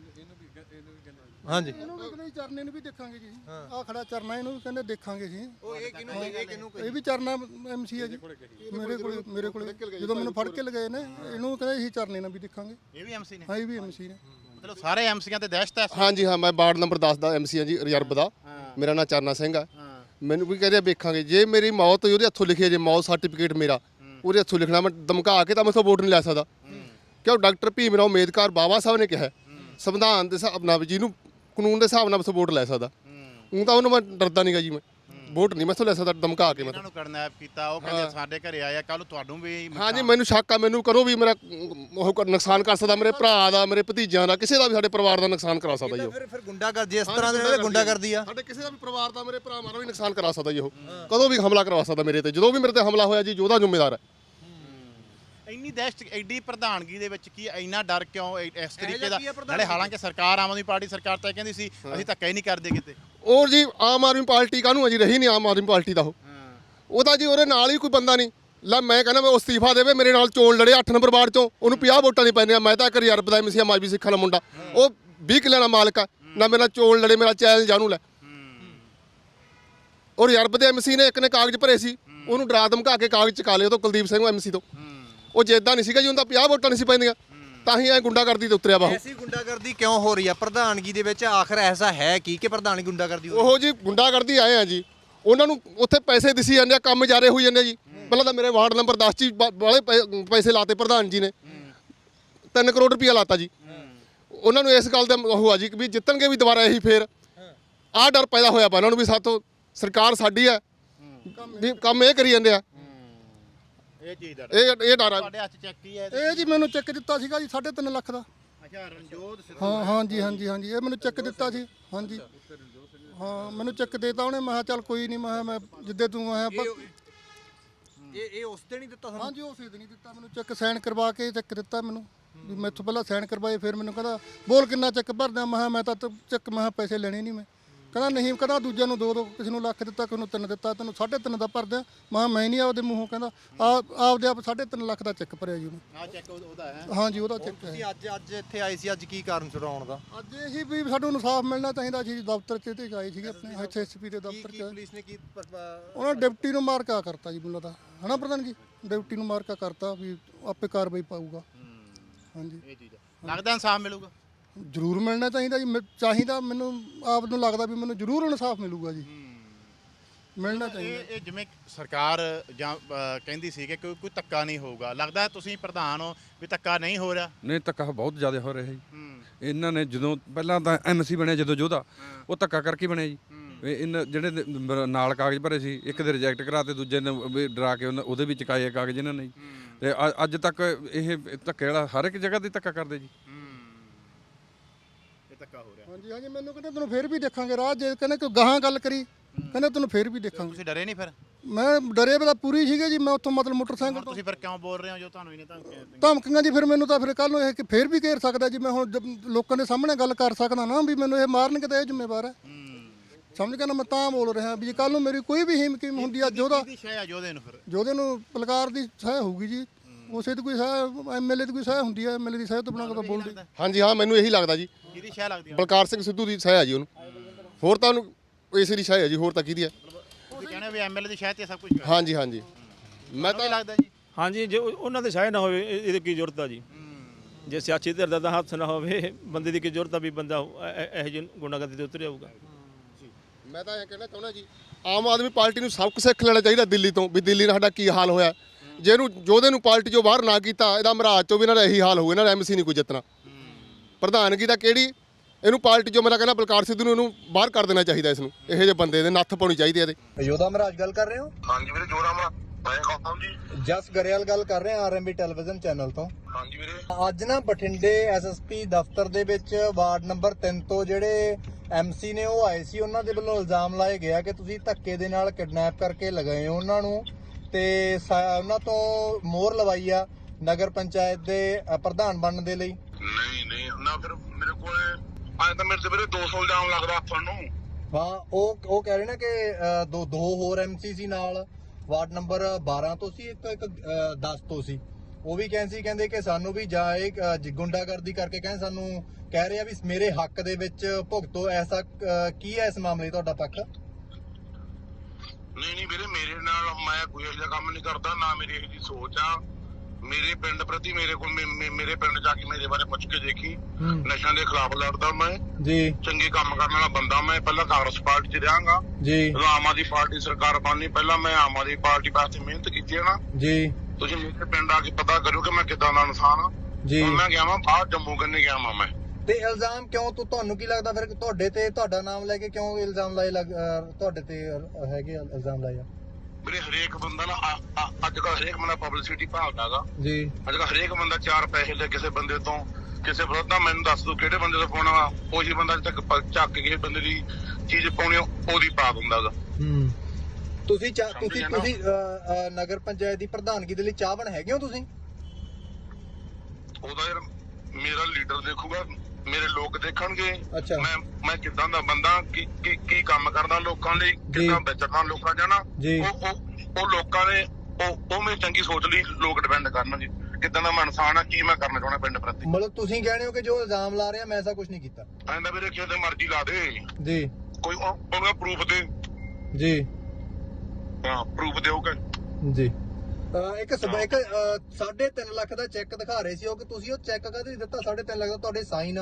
E: ਹਾਂਜੀ।
A: ਇਹਨੂੰ ਵੀ ਕਹਿੰਦੇ ਚਰਨੇ ਨੂੰ ਵੀ ਦੇਖਾਂਗੇ ਜੀ, ਆਹ ਖੜਾ ਚਰਨਾ, ਇਹਨੂੰ ਵੀ ਕਹਿੰਦੇ ਦੇਖਾਂਗੇ ਜੀ।
E: ਉਹ ਇਹ ਕਿਹਨੂੰ
A: ਇਹ ਵੀ ਚਰਨਾ ਐਮਸੀ ਹੈ ਜੀ, ਮੇਰੇ ਕੋਲ ਜਦੋਂ ਮੈਨੂੰ ਫੜ ਕੇ ਲਗਾਏ ਨੇ, ਇਹਨੂੰ ਕਹਿੰਦੇ ਅਸੀਂ ਚਰਨੇ ਨਾਲ ਵੀ ਦੇਖਾਂਗੇ।
C: ਇਹ ਵੀ ਐਮਸੀ ਨੇ?
A: ਹਾਂ ਇਹ ਵੀ ਐਮਸੀ ਨੇ।
C: ਮਤਲਬ ਸਾਰੇ ਐਮਸੀਆਂ ਤੇ ਦਹਿਸ਼ਤ ਹੈ?
B: ਹਾਂਜੀ ਹਾਂ, ਮੈਂ ਵਾਰਡ ਨੰਬਰ 10 ਦਾ ਐਮਸੀ ਹਾਂ ਜੀ, ਰਿਜ਼ਰਵ ਦਾ। ਮੇਰਾ ਨਾਮ ਚਰਨਾ ਸਿੰਘ ਆ। ਮੈਨੂੰ ਵੀ ਕਹਿੰਦੇ ਵੇਖਾਂਗੇ, ਜੇ ਮੇਰੀ ਮੌਤ ਹੋਈ ਉਹਦੇ ਹੱਥੋਂ ਲਿਖਿਆ, ਜੇ ਮੌਤ ਸਰਟੀਫਿਕੇਟ ਮੇਰਾ ਉਹਦੇ ਹੱਥੋਂ ਲਿਖਣਾ, ਮੈਂ ਧਮਕਾ ਕੇ ਤਾਂ ਮੈਥੋਂ ਵੋਟ ਨਹੀਂ ਲੈ ਸਕਦਾ। ਕਿਉਂ ਡਾਕਟਰ ਭੀਮ ਰਾਓ ਅੰਬੇਦਕਰ ਬਾਬਾ ਸਾਹਿਬ ਨੇ ਕਿਹਾ ਸੰਵਿਧਾਨ ਦੇ ਹਿਸਾਬ ਨਾਲ ਜਿਹਨੂੰ ਕਾਨੂੰਨ ਦੇ ਹਿਸਾਬ ਨਾਲ ਮੈਥੋਂ ਵੋਟ ਲੈ ਸਕਦਾ। ਉਹ ਤਾਂ ਉਹਨੂੰ ਮੈਂ ਡਰਦਾ ਨਹੀਂਗਾ ਜੀ, ਮੈਂ ਵੋਟ ਨਹੀਂ ਮੈਥੋਂ ਲੈ ਸਕਦਾ ਧਮਕਾ ਕੇ।
C: ਇਹਨਾਂ ਨੂੰ ਕਿਡਨੈਪ ਕੀਤਾ, ਉਹ ਕਹਿੰਦੇ ਸਾਡੇ ਘਰੇ ਆਇਆ, ਕੱਲ ਤੁਹਾਨੂੰ ਵੀ।
B: ਹਾਂਜੀ ਮੈਨੂੰ ਸ਼ੱਕ ਆ, ਮੈਨੂੰ ਕਰੋ ਵੀ ਮੇਰਾ ਉਹ ਨੁਕਸਾਨ ਕਰ ਸਕਦਾ, ਮੇਰੇ ਭਰਾ ਦਾ, ਮੇਰੇ ਭਤੀਜਿਆਂ ਦਾ, ਕਿਸੇ ਦਾ ਵੀ ਸਾਡੇ ਪਰਿਵਾਰ ਦਾ ਨੁਕਸਾਨ ਕਰਾ ਸਕਦਾ ਜੀ ਉਹ।
E: ਫਿਰ ਗੁੰਡਾਗਰਦੀ ਇਸ ਤਰ੍ਹਾਂ ਦੇ ਗੁੰਡਾਗਰਦੀ ਆ?
B: ਸਾਡੇ ਕਿਸੇ ਦਾ ਵੀ ਪਰਿਵਾਰ ਦਾ, ਮੇਰੇ ਭਰਾਵਾਂ ਦਾ ਵੀ ਨੁਕਸਾਨ ਕਰਾ ਸਕਦਾ ਜੀ ਉਹ। ਕਦੋਂ ਵੀ ਹਮਲਾ ਕਰਵਾ ਸਕਦਾ ਮੇਰੇ ਤੇ, ਜਦੋਂ ਵੀ ਮੇਰੇ ਤੇ ਹਮਲਾ ਹੋਇਆ ਜੀ ਉਹਦਾ ਜ਼ਿੰਮੇਵਾਰ ਹੈ।
C: ਇੰਨੀ ਦਹਿਸ਼ਤ, ਐਡੀ ਪ੍ਰਧਾਨਗੀ ਦੇ ਵਿੱਚ ਕੀ ਇੰਨਾ ਡਰ ਕਿਉਂ ਇਸ ਤਰੀਕੇ ਦਾ? ਨਾਲੇ ਹਾਲਾਂਕਿ ਸਰਕਾਰ ਆਮ ਆਦਮੀ ਪਾਰਟੀ ਸਰਕਾਰ ਤਾਂ ਕਹਿੰਦੀ ਸੀ ਅਸੀਂ ਧੱਕਾ ਹੀ ਨਹੀਂ ਕਰਦੇ ਕਿਤੇ।
B: ਔਰ ਜੀ ਆਮ ਆਦਮੀ ਪਾਰਟੀ ਕਾਹਨੂੰ ਅਜੀ ਰਹੀ ਨਹੀਂ ਆਮ ਆਦਮੀ ਪਾਰਟੀ ਦਾ ਉਹ ਤਾਂ ਜੀ ਉਹਦੇ ਨਾਲ ਹੀ ਕੋਈ ਬੰਦਾ ਨਹੀਂ। ਲੈ ਮੈਂ ਕਹਿੰਦਾ ਮੈਂ ਅਸਤੀਫਾ ਦੇਵੇ, ਮੇਰੇ ਨਾਲ ਚੋਣ ਲੜੇ 8 ਨੰਬਰ ਵਾਰਡ ਚੋਂ, ਉਹਨੂੰ 50 ਵੋਟਾਂ ਨਹੀਂ ਪੈਂਦੀਆਂ। ਮੈਂ ਤਾਂ ਇੱਕ ਰਿਜ਼ਰਵ ਦਾ ਐਮਸੀ ਮਾਜਵੀ ਸਿੱਖਾਂ ਦਾ ਮੁੰਡਾ, ਉਹ 20 ਕਿੱਲਿਆਂ ਦਾ ਮਾਲਕ ਆ, ਨਾ ਮੇਰੇ ਨਾਲ ਚੋਣ ਲੜੇ, ਮੇਰਾ ਚੈਲੰਜ ਜਾਣੂ ਲੈ। ਔਰ ਰਿਜ਼ਰਵ ਦੇ ਐਮਸੀ ਨੇ ਇੱਕ ਨੇ ਕਾਗਜ਼ ਭਰੇ ਸੀ, ਉਹਨੂੰ ਡਰਾ ਧਮਕਾ ਕੇ ਕਾਗਜ਼ ਚਕਾ ਲਏ ਉਹ ਤੋਂ, ਕੁਲਦੀਪ ਸਿੰਘ ਐਮਸੀ ਤੋਂ। ਉਹ ਜੇ ਇੱਦਾਂ ਨਹੀਂ ਸੀਗਾ ਜੀ, ਉਹਦਾ 50 ਵੋਟਾਂ ਨਹੀਂ ਸੀ ਪੈਂਦੀਆਂ, ਤਾਂ ਹੀ ਐ ਗੁੰਡਾਗਰਦੀ ਤੇ ਉਤਰਿਆ ਵਾ ਉਹ।
E: ਐਸੀ ਗੁੰਡਾਗਰਦੀ ਕਿਉਂ ਹੋ ਰਹੀ ਆ ਪ੍ਰਧਾਨਗੀ ਦੇ ਵਿੱਚ? ਆਖਰ ਐਸਾ ਹੈ ਕਿ ਪ੍ਰਧਾਨਗੀ ਗੁੰਡਾਗਰਦੀ ਹੋ ਰਹੀ?
B: ਉਹ ਜੀ ਗੁੰਡਾਗਰਦੀ ਆਏ ਆ ਜੀ, ਉਹਨਾਂ ਨੂੰ ਉੱਥੇ ਪੈਸੇ ਦਿਸੀ ਜਾਂਦੇ ਆ, ਕੰਮ ਜਾਰੇ ਹੋਈ ਜਾਂਦੇ ਜੀ। ਪਹਿਲਾਂ ਤਾਂ ਮੇਰੇ ਵਾਰਡ ਨੰਬਰ 10 ਚ ਬਾਲੇ ਪੈਸੇ ਲਾਤੇ ਪ੍ਰਧਾਨ ਜੀ ਨੇ, 3 ਕਰੋੜ ਰੁਪਇਆ ਲਾਤਾ ਜੀ। ਉਹਨਾਂ ਨੂੰ ਇਸ ਗੱਲ ਦਾ ਉਹ ਆ ਜੀ ਕਿ ਵੀ ਜਿੱਤਣਗੇ ਵੀ ਦੁਬਾਰਾ ਇਹੀ ਫੇਰ। ਆਹ ਡਰ ਪੈਦਾ ਹੋਇਆ ਪਾ ਉਹਨਾਂ ਨੂੰ ਵੀ ਸਾਥੋਂ ਸਰਕਾਰ ਸਾਡੀ ਹੈ, ਵੀ ਕੰਮ ਇਹ ਕਰੀ ਜਾਂਦੇ ਆ।
C: ਇਹ ਚੀਜ਼ ਦਾ
B: ਇਹ ਡਰ ਆ।
C: ਤੁਹਾਡੇ ਹੱਥ ਚੈੱਕ ਕੀ ਹੈ?
A: ਇਹ ਜੀ ਮੈਨੂੰ ਚੈੱਕ ਦਿੱਤਾ ਸੀਗਾ ਜੀ 3.5 ਲੱਖ ਦਾ।
C: ਅੱਛਾ ਰਣਜੋਤ ਸਿੰਘ।
A: ਹਾਂ ਹਾਂਜੀ ਇਹ ਮੈਨੂੰ ਚੈੱਕ ਦਿੱਤਾ ਸੀ। ਹਾਂਜੀ ਹਾਂ ਮੈਨੂੰ ਚੈੱਕ ਦੇਤਾ ਉਹਨੇ। ਮੈਂ ਕਿਹਾ ਚੱਲ ਕੋਈ ਨਹੀਂ, ਮੈਂ ਜਿੱਦੇ ਤੂੰ ਆਇਆ
E: ਇਹ ਉਸ ਦਿਨ ਹੀ ਦਿੱਤਾ ਤੁਹਾਨੂੰ?
A: ਹਾਂਜੀ ਉਸੇ ਦਿਨ ਹੀ ਦਿੱਤਾ ਮੈਨੂੰ ਚੈੱਕ, ਸਾਈਨ ਕਰਵਾ ਕੇ ਚੈੱਕ ਦਿੱਤਾ ਮੈਨੂੰ। ਵੀ ਮੈਥੋਂ ਪਹਿਲਾਂ ਸਾਈਨ ਕਰਵਾਏ, ਫਿਰ ਮੈਨੂੰ ਕਹਿੰਦਾ ਬੋਲ ਕਿੰਨਾ ਚੈੱਕ ਭਰਦਾ। ਮੈਂ ਕਿਹਾ ਮੈਂ ਤਾਂ ਚੈੱਕ, ਮੈਂ ਕਿਹਾ ਪੈਸੇ ਲੈਣੇ ਨਹੀਂ, ਮੈਂ ਕਹਿੰਦਾ ਨਹੀਂ, ਕਹਿੰਦਾ ਦੂਜੇ ਨੂੰ 2 ਕਿਸੇ ਨੂੰ ਲੱਖ ਦਿੱਤਾ, ਕਿਸੇ ਨੂੰ 3 ਦਿੱਤਾ, ਤੈਨੂੰ 3.5 ਦਾ ਭਰ ਦਿਆਂ। ਮੈਂ ਨਹੀਂ ਆਪਦੇ ਮੂੰਹੋਂ ਕਹਿੰਦਾ ਆਪਦੇ ਆਪ 3.5 ਲੱਖ ਦਾ ਚੈੱਕ ਭਰਿਆ ਜੀ ਉਹਨੇ।
C: ਆ ਚੈੱਕ ਉਹਦਾ ਹੈ।
A: ਹਾਂਜੀ ਉਹਦਾ ਚੈੱਕ ਹੈ।
E: ਤੁਸੀਂ ਅੱਜ ਇੱਥੇ ਆਏ ਸੀ, ਅੱਜ ਕੀ ਕਾਰਨ ਛੁਡਾਉਣ ਦਾ?
A: ਅੱਜ ਇਹੀ ਵੀ ਸਾਨੂੰ ਇਨਸਾਫ ਮਿਲਣਾ ਚਾਹੀਦਾ ਸੀ। ਦਫ਼ਤਰ 'ਚ ਤੇ ਆਏ ਸੀਗੇ ਆਪਣੇ ਇੱਥੇ ਐਸਪੀ ਦੇ ਦਫ਼ਤਰ 'ਚ।
E: ਪੁਲਿਸ ਨੇ ਕੀ
A: ਉਹਨਾਂ ਡਿਪਟੀ ਨੂੰ ਮਾਰਕਾ ਕਰਤਾ ਜੀ ਮੈਨੂੰ ਲੱਗਦਾ, ਹਨਾ ਪ੍ਰਧਾਨ ਜੀ? ਡਿਪਟੀ ਨੂੰ ਮਾਰਕਾ ਕਰਤਾ ਵੀ ਆਪੇ ਕਾਰਵਾਈ ਪਾਊਗਾ। ਹਾਂਜੀ
C: ਇਹ ਚੀਜ਼ ਲੱਗਦਾ ਇਨਸਾਫ ਮਿਲੂਗਾ।
A: ਜ਼ਰੂਰ ਮਿਲਣਾ ਚਾਹੀਦਾ ਜੀ। ਚਾਹੀਦਾ, ਮੈਨੂੰ ਆਪ ਨੂੰ ਲੱਗਦਾ ਵੀ ਮੈਨੂੰ ਜ਼ਰੂਰ ਇਨਸਾਫ ਮਿਲੂਗਾ ਜੀ। ਮਿਲਣਾ ਚਾਹੀਦਾ।
C: ਇਹ ਜਿਵੇਂ ਸਰਕਾਰ ਜਾਂ ਕਹਿੰਦੀ ਸੀ ਕਿ ਕੋਈ ਧੱਕਾ ਨਹੀਂ ਹੋਊਗਾ, ਲੱਗਦਾ ਤੁਸੀਂ ਪ੍ਰਧਾਨ ਹੋ ਵੀ ਧੱਕਾ ਨਹੀਂ ਹੋ ਰਿਹਾ?
H: ਨਹੀਂ, ਧੱਕਾ ਬਹੁਤ ਜ਼ਿਆਦਾ ਹੋ ਰਿਹਾ ਜੀ। ਇਹਨਾਂ ਨੇ ਜਦੋਂ ਪਹਿਲਾਂ ਤਾਂ ਐਮਸੀ ਬਣਿਆ ਜਦੋਂ ਯੋਧਾ, ਉਹ ਧੱਕਾ ਕਰਕੇ ਬਣਿਆ ਜੀ। ਇਹਨਾਂ ਜਿਹੜੇ ਨਾਲ ਕਾਗਜ਼ ਭਰੇ ਸੀ, ਇੱਕ ਦੇ ਰਿਜੈਕਟ ਕਰਾਤੇ, ਦੂਜੇ ਨੇ ਵੀ ਡਰਾ ਕੇ ਉਹਦੇ ਵੀ ਚੁਕਾਏ ਕਾਗਜ਼ ਇਹਨਾਂ ਨੇ ਜੀ। ਤੇ ਅੱਜ ਤੱਕ ਇਹ ਧੱਕੇ ਵਾਲਾ ਹਰ ਇੱਕ ਜਗ੍ਹਾ ਤੇ ਧੱਕਾ ਕਰਦੇ ਜੀ।
C: ਇਹ ਧੱਕਾ ਹੋ ਰਿਹਾ।
A: ਹਾਂਜੀ ਹਾਂਜੀ, ਮੈਨੂੰ ਕਹਿੰਦੇ ਤੈਨੂੰ ਫੇਰ ਵੀ ਦੇਖਾਂਗੇ ਰਾਹ, ਜੇ ਕਹਿੰਦੇ ਕੋਈ ਗਾਹਾਂ ਗੱਲ ਕਰੀ, ਕਹਿੰਦੇ ਤੈਨੂੰ ਫੇਰ ਵੀ ਦੇਖਾਂਗੇ।
C: ਤੁਸੀਂ ਡਰੇ ਨਹੀਂ ਫਿਰ?
A: ਮੈਂ ਡਰੇ ਤਾਂ ਪੂਰੀ ਸੀਗੇ ਜੀ। ਮੈਂ ਉੱਥੋਂ ਮਤਲਬ ਮੋਟਰਸਾਈਕਲ ਤੋਂ।
C: ਤੁਸੀਂ ਫਿਰ ਕਿਉਂ ਬੋਲ ਰਹੇ ਹੋ ਜੋ ਤੁਹਾਨੂੰ ਇਹਨੇ ਧਮਕੀਆਂ?
A: ਧਮਕੀਆਂ ਜੀ ਫਿਰ ਮੈਨੂੰ ਤਾਂ ਫਿਰ ਕੱਲ ਨੂੰ ਇਹ ਕਿ ਫੇਰ ਵੀ ਘੇਰ ਸਕਦਾ ਜੀ। ਮੈਂ ਹੁਣ ਲੋਕਾਂ ਦੇ ਸਾਹਮਣੇ ਗੱਲ ਕਰ ਸਕਦਾ ਨਾ ਵੀ ਮੈਨੂੰ ਇਹ ਮਾਰਨਗੇ ਤਾਂ ਇਹ ਜ਼ਿੰਮੇਵਾਰ ਹੈ। ਸਮਝ ਕੇ ਨਾ, ਮੈਂ ਤਾਂ ਬੋਲ ਰਿਹਾ ਵੀ ਜੇ ਕੱਲ ਨੂੰ ਮੇਰੀ ਕੋਈ ਵੀ ਹਿੰਮਕੀਮ ਹੁੰਦੀ ਆ ਜੋਧਾ
C: ਜੋਧੇ ਨੂੰ, ਫਿਰ
A: ਜੋਧੇ ਨੂੰ ਪਲਕਾਰ ਦੀ ਸਹਾਇ ਹੋਊਗੀ ਜੀ। ਉਸੇ ਦੀ ਕੋਈ ਸਹਾਇ, ਐਮਐਲਏ ਦੀ ਕੋਈ ਸਹਾਇ ਹੁੰਦੀ ਹੈ, ਐਮਐਲਏ ਦੀ ਸਹਾਇ ਤੋਂ ਬਿਨਾਂ ਕਦੋਂ ਬੋਲਦੀ?
B: ਹਾਂਜੀ ਹਾਂ, ਮੈਨੂੰ ਇਹੀ ਲੱਗਦਾ ਜੀ।
C: ਕਿਹਦੀ ਸ਼ਹਿ ਲੱਗਦੀ ਹੈ?
B: ਬਲਕਾਰ ਸਿੰਘ ਸਿੱਧੂ ਦੀ ਸਹਾਇ ਆ ਜੀ ਉਹਨੂੰ। ਹੋਰ ਤਾਂ ਉਹਨੂੰ ਇਸੇ ਦੀ ਸਹਾਇ ਆ ਜੀ, ਹੋਰ ਤਾਂ ਕਿਹਦੀ ਹੈ?
C: ਤੁਸੀਂ ਕਹਿੰਦੇ ਵੀ ਐਮਐਲਏ ਦੀ ਸ਼ਹਿ ਤੇ ਸਭ ਕੁਝ ਹੈ।
B: ਹਾਂਜੀ ਹਾਂਜੀ, ਮੈਂ ਤਾਂ
C: ਲੱਗਦਾ ਜੀ।
F: ਹਾਂਜੀ, ਜੇ ਉਹਨਾਂ ਦੇ ਸਹਾਇ ਨਾ ਹੋਵੇ ਇਹਦੀ ਕੀ ਜ਼ਰੂਰਤ ਆ ਜੀ? ਜੇ ਸਿਆਸੀ ਧਿਰ ਦਾ ਹੱਥ ਨਾ ਹੋਵੇ, ਬੰਦੇ ਦੀ ਕੀ ਜ਼ਰੂਰਤ ਆ ਵੀ ਬੰਦਾ ਇਹੋ ਜਿਹੇ ਗੁੰਡਾਗਰਦੀ ਤੇ ਉਤਰ ਜਾਊਗਾ?
B: ਮੈਂ ਤਾਂ ਇਹ ਕਹਿਣਾ ਚਾਹੁੰਦਾ ਜੀ, ਆਮ ਆਦਮੀ ਪਾਰਟੀ ਨੂੰ ਸਬਕ ਸਿੱਖ ਲੈਣਾ ਚਾਹੀਦਾ ਦਿੱਲੀ ਤੋਂ, ਵੀ ਦਿੱਲੀ ਨਾਲ ਸਾਡਾ ਕੀ ਹਾਲ ਹੋਇਆ। ਜੇ ਇਹਨੂੰ ਜੋਧੇ ਨੂੰ ਪਾਰਟੀ ਚੋਂ ਬਾਹਰ ਨਾ ਕੀਤਾ, ਇਹਦਾ ਮਹਾਰਾਜ ਚੋਂ ਵੀ ਇਹਨਾਂ ਦਾ ਇਹੀ ਹਾਲ ਹੋਊ। ਇਹਨਾਂ ਦਾ ਐਮਸੀ ਨਹੀਂ ਕੋਈ ਜਿੱਤਣਾ। ਪ੍ਰਧਾਨਗੀ ਦਾ ਕਿਹੜੀ, ਇਹਨੂੰ ਪਾਰਟੀ ਚੋਂ, ਮੈਂ ਤਾਂ ਕਹਿੰਦਾ ਬਲਕਾਰ ਸਿੱਧੂ ਨੂੰ ਇਹਨੂੰ ਬਾਹਰ ਕਰ ਦੇਣਾ ਚਾਹੀਦਾ। ਇਸ ਨੂੰ ਇਹੋ ਜਿਹੇ ਬੰਦੇ ਦੇ ਨੱਥ ਪਾਉਣੀ ਚਾਹੀਦੀ ਇਹਦੇ।
E: ਯੋਧਾ ਮਹਾਰਾਜ ਗੱਲ ਕਰ ਰਹੇ ਹੋ?
D: ਹਾਂਜੀ ਵੀਰੇ, ਜੋਰਾਮਾ ਮੈਂ ਕਹਾਂ ਜੀ।
E: ਜਸ ਗਰੇਵਾਲ ਗੱਲ ਕਰ ਰਹੇ ਹਾਂ ਆਰਐਮਬੀ ਟੈਲੀਵਿਜ਼ਨ ਚੈਨਲ ਤੋਂ।
D: ਹਾਂਜੀ ਵੀਰੇ।
E: ਅੱਜ ਨਾ ਬਠਿੰਡੇ ਐਸਐਸਪੀ ਦਫ਼ਤਰ ਦੇ ਵਿੱਚ ਵਾਰਡ ਨੰਬਰ 3 ਤੋਂ ਜਿਹੜੇ ਐਮਸੀ ਨੇ ਉਹ ਆਏ ਸੀ। ਉਹਨਾਂ ਦੇ ਵੱਲੋਂ ਇਲਜ਼ਾਮ ਲਾਏ ਗਿਆ ਕਿ ਤੁਸੀਂ ਧੱਕੇ ਦੇ ਨਾਲ ਕਿਡਨੈਪ ਕਰਕੇ ਲਗਾਏ ਹੋ ਉਹਨਾਂ ਨੂੰ, ਤੇ ਉਹਨਾਂ ਤੋਂ ਮੋਹਰ ਲਵਾਈ ਆ ਨਗਰ ਪੰਚਾਇਤ ਦੇ ਪ੍ਰਧਾਨ ਬਣਨ ਦੇ ਲਈ।
D: ਨਹੀਂ ਨਾ, ਫਿਰ ਮੇਰੇ ਕੋਲ ਆਏ ਤਾਂ ਮੇਰੇ ਤੇ ਵੀਰੇ 200 ਇਲਜ਼ਾਮ ਲੱਗਦਾ ਤੁਹਾਨੂੰ।
E: ਹਾਂ, ਉਹ ਕਹਿ ਰਹੇ ਨੇ ਕਿ ਦੋ ਹੋਰ ਐਮਸੀ ਸੀ ਨਾਲ, ਵਾਰਡ ਨੰਬਰ 12 ਤੋਂ ਸੀ, ਇੱਕ 10 ਤੋਂ ਸੀ। ਉਹ ਵੀ ਕਹਿੰਦੇ ਕਿ ਸਾਨੂੰ ਵੀ ਜਾਏ ਗੁੰਡਾਗਰਦੀ ਕਰਕੇ ਕਹਿੰਦੇ ਸਾਨੂੰ ਕਹਿ ਰਿਹਾ ਵੀ ਮੇਰੇ ਹੱਕ ਦੇ ਵਿੱਚ ਭੁਗਤੋ। ਐਸਾ ਕੀ ਹੈ ਇਸ ਮਾਮਲੇ ਤੁਹਾਡਾ ਪੱਖ?
D: ਨਹੀਂ ਵੀਰੇ, ਮੇਰੇ ਨਾਲ ਮੈਂ ਕੋਈ ਇਹੋ ਜਿਹਾ ਕੰਮ ਨਹੀਂ ਕਰਦਾ, ਨਾ ਮੇਰੀ ਇਹੋ ਜਿਹੀ ਸੋਚ ਆ। ਮੇਰੇ ਪਿੰਡ ਪ੍ਰਤੀ ਮੇਰੇ ਕੋਲ ਮੇਰੇ ਪਿੰਡ ਜਾ ਕੇ ਮੇਰੇ ਬਾਰੇ ਪੁੱਛ ਕੇ ਦੇਖੀ। ਨਸ਼ਿਆਂ ਦੇ ਖਿਲਾਫ ਲੜਦਾ ਮੈਂ
E: ਜੀ,
D: ਚੰਗੇ ਕੰਮ ਕਰਨ ਵਾਲਾ ਬੰਦਾ ਮੈਂ। ਪਹਿਲਾਂ ਕਾਂਗਰਸ ਪਾਰਟੀ 'ਚ ਰਹਾਂਗਾ
E: ਜੀ।
D: ਜਦੋਂ ਆਮ ਆਦਮੀ ਪਾਰਟੀ ਸਰਕਾਰ ਬਣਨੀ, ਪਹਿਲਾਂ ਮੈਂ ਆਮ ਆਦਮੀ ਪਾਰਟੀ ਵਾਸਤੇ ਮਿਹਨਤ ਕੀਤੀ ਹੈ ਨਾ ਜੀ। ਤੁਸੀਂ ਮੇਰੇ ਪਿੰਡ ਆ ਕੇ ਪਤਾ ਕਰੋ ਕਿ ਮੈਂ ਕਿੱਦਾਂ ਦਾ ਇਨਸਾਨ ਆ ਜੀ। ਮੈਂ ਗਿਆ ਵਾਂ ਬਾਹਰ, ਜੰਮੂ ਕੰਨੇ ਗਿਆ ਵਾਂ ਮੈਂ।
E: ਤੇ ਇਲਜ਼ਾਮ ਕਿਉਂ ਤੁਹਾਨੂੰ ਕੀ ਲੱਗਦਾ ਫਿਰ ਤੁਹਾਡੇ ਤੇ, ਤੁਹਾਡਾ ਨਾਮ ਲੈ ਕੇ ਕਿਉਂ ਇਲਜ਼ਾਮ ਲਾਏ ਤੁਹਾਡੇ ਤੇ ਹੈਗੇ ਇਲਜ਼ਾਮ ਲਾਏ ਆ?
D: ਵੀਰੇ ਹਰੇਕ ਬੰਦਾ ਨਾ ਅੱਜ ਕੱਲ੍ਹ ਹਰੇਕ ਬੰਦਾ ਪਬਲਿਸਿਟੀ ਭਾਲਦਾਗਾ
E: ਜੀ।
D: ਅੱਜ ਕੱਲ੍ਹ ਹਰੇਕ ਬੰਦਾ 4 ਪੈਸੇ ਲੈ ਕਿਸੇ ਬੰਦੇ ਤੋਂ, ਕਿਸੇ ਵਿਰੋਧ ਦਾ ਮੈਨੂੰ ਦੱਸ ਦੋ ਕਿਹੜੇ ਬੰਦੇ ਤੋਂ ਪਾਉਣਾ ਵਾ, ਉਹੀ ਬੰਦਾ ਅੱਜ ਤੱਕ ਚੱਕ ਕੇ ਬੰਦੇ ਦੀ ਚੀਜ਼ ਪਾਉਣੀ ਉਹਦੀ ਪਾ ਦਿੰਦਾਗਾ।
E: ਤੁਸੀਂ ਨਗਰ ਪੰਚਾਇਤ ਦੀ ਪ੍ਰਧਾਨਗੀ ਦੇ ਲਈ ਚਾਹਵਾਨ ਹੈਗੇ ਹੋ ਤੁਸੀਂ?
D: ਉਹਦਾ ਯਾਰ ਮੇਰਾ ਲੀਡਰ ਦੇਖੂਗਾ, ਮੇਰੇ ਲੋਕ ਦੇਖਣਗੇ।
E: ਅੱਛਾ।
D: ਮੈਂ ਕਿੱਦਾਂ ਦਾ ਬੰਦਾ, ਕੀ ਕੰਮ ਕਰਦਾ ਲੋਕਾਂ ਲਈ, ਕਿੱਦਾਂ ਵਿਚਰਦਾ ਲੋਕਾਂ ਜਾਣਾ, ਉਹ ਲੋਕਾਂ ਨੇ ਉਹ ਮੇਰੀ ਚੰਗੀ ਸੋਚ ਲਈ ਲੋਕ ਡਿਪੈਂਡ ਕਰਨਗੇ ਕਿੱਦਾਂ ਦਾ ਮੈਂ ਇਨਸਾਨ ਆ, ਕੀ ਮੈਂ ਕਰਨਾ ਚਾਹੁੰਦਾ ਪਿੰਡ ਪ੍ਰਤੀ।
E: ਮਤਲਬ ਤੁਸੀਂ ਕਹਿੰਦੇ ਹੋ ਕਿ ਜੋ ਇਲਜ਼ਾਮ ਲਾ ਰਿਹਾ ਮੈਂ ਐਸਾ ਕੁਝ ਨਹੀਂ ਕੀਤਾ?
D: ਐਂਦਾ ਵੀਰੇ ਕਿਤੇ ਮਰਜ਼ੀ ਲਾ ਦੇ
E: ਜੀ,
D: ਕੋਈ ਉਹਦਾ ਪ੍ਰੂਫ ਦੇ
E: ਜੀ।
D: ਹਾਂ, ਪ੍ਰੂਫ ਦਿਓਗੇ ਜੀ।
E: ਇੱਕ 3.5 ਲੱਖ ਦਾ ਚੈੱਕ ਦਿਖਾ ਰਹੇ ਸੀ ਉਹ, ਕਿ ਤੁਸੀਂ ਉਹ ਚੈੱਕ ਕਾਹਦੇ ਦਿੱਤਾ 3.5 ਲੱਖ ਦਾ? ਤੁਹਾਡੇ ਸਾਈਨ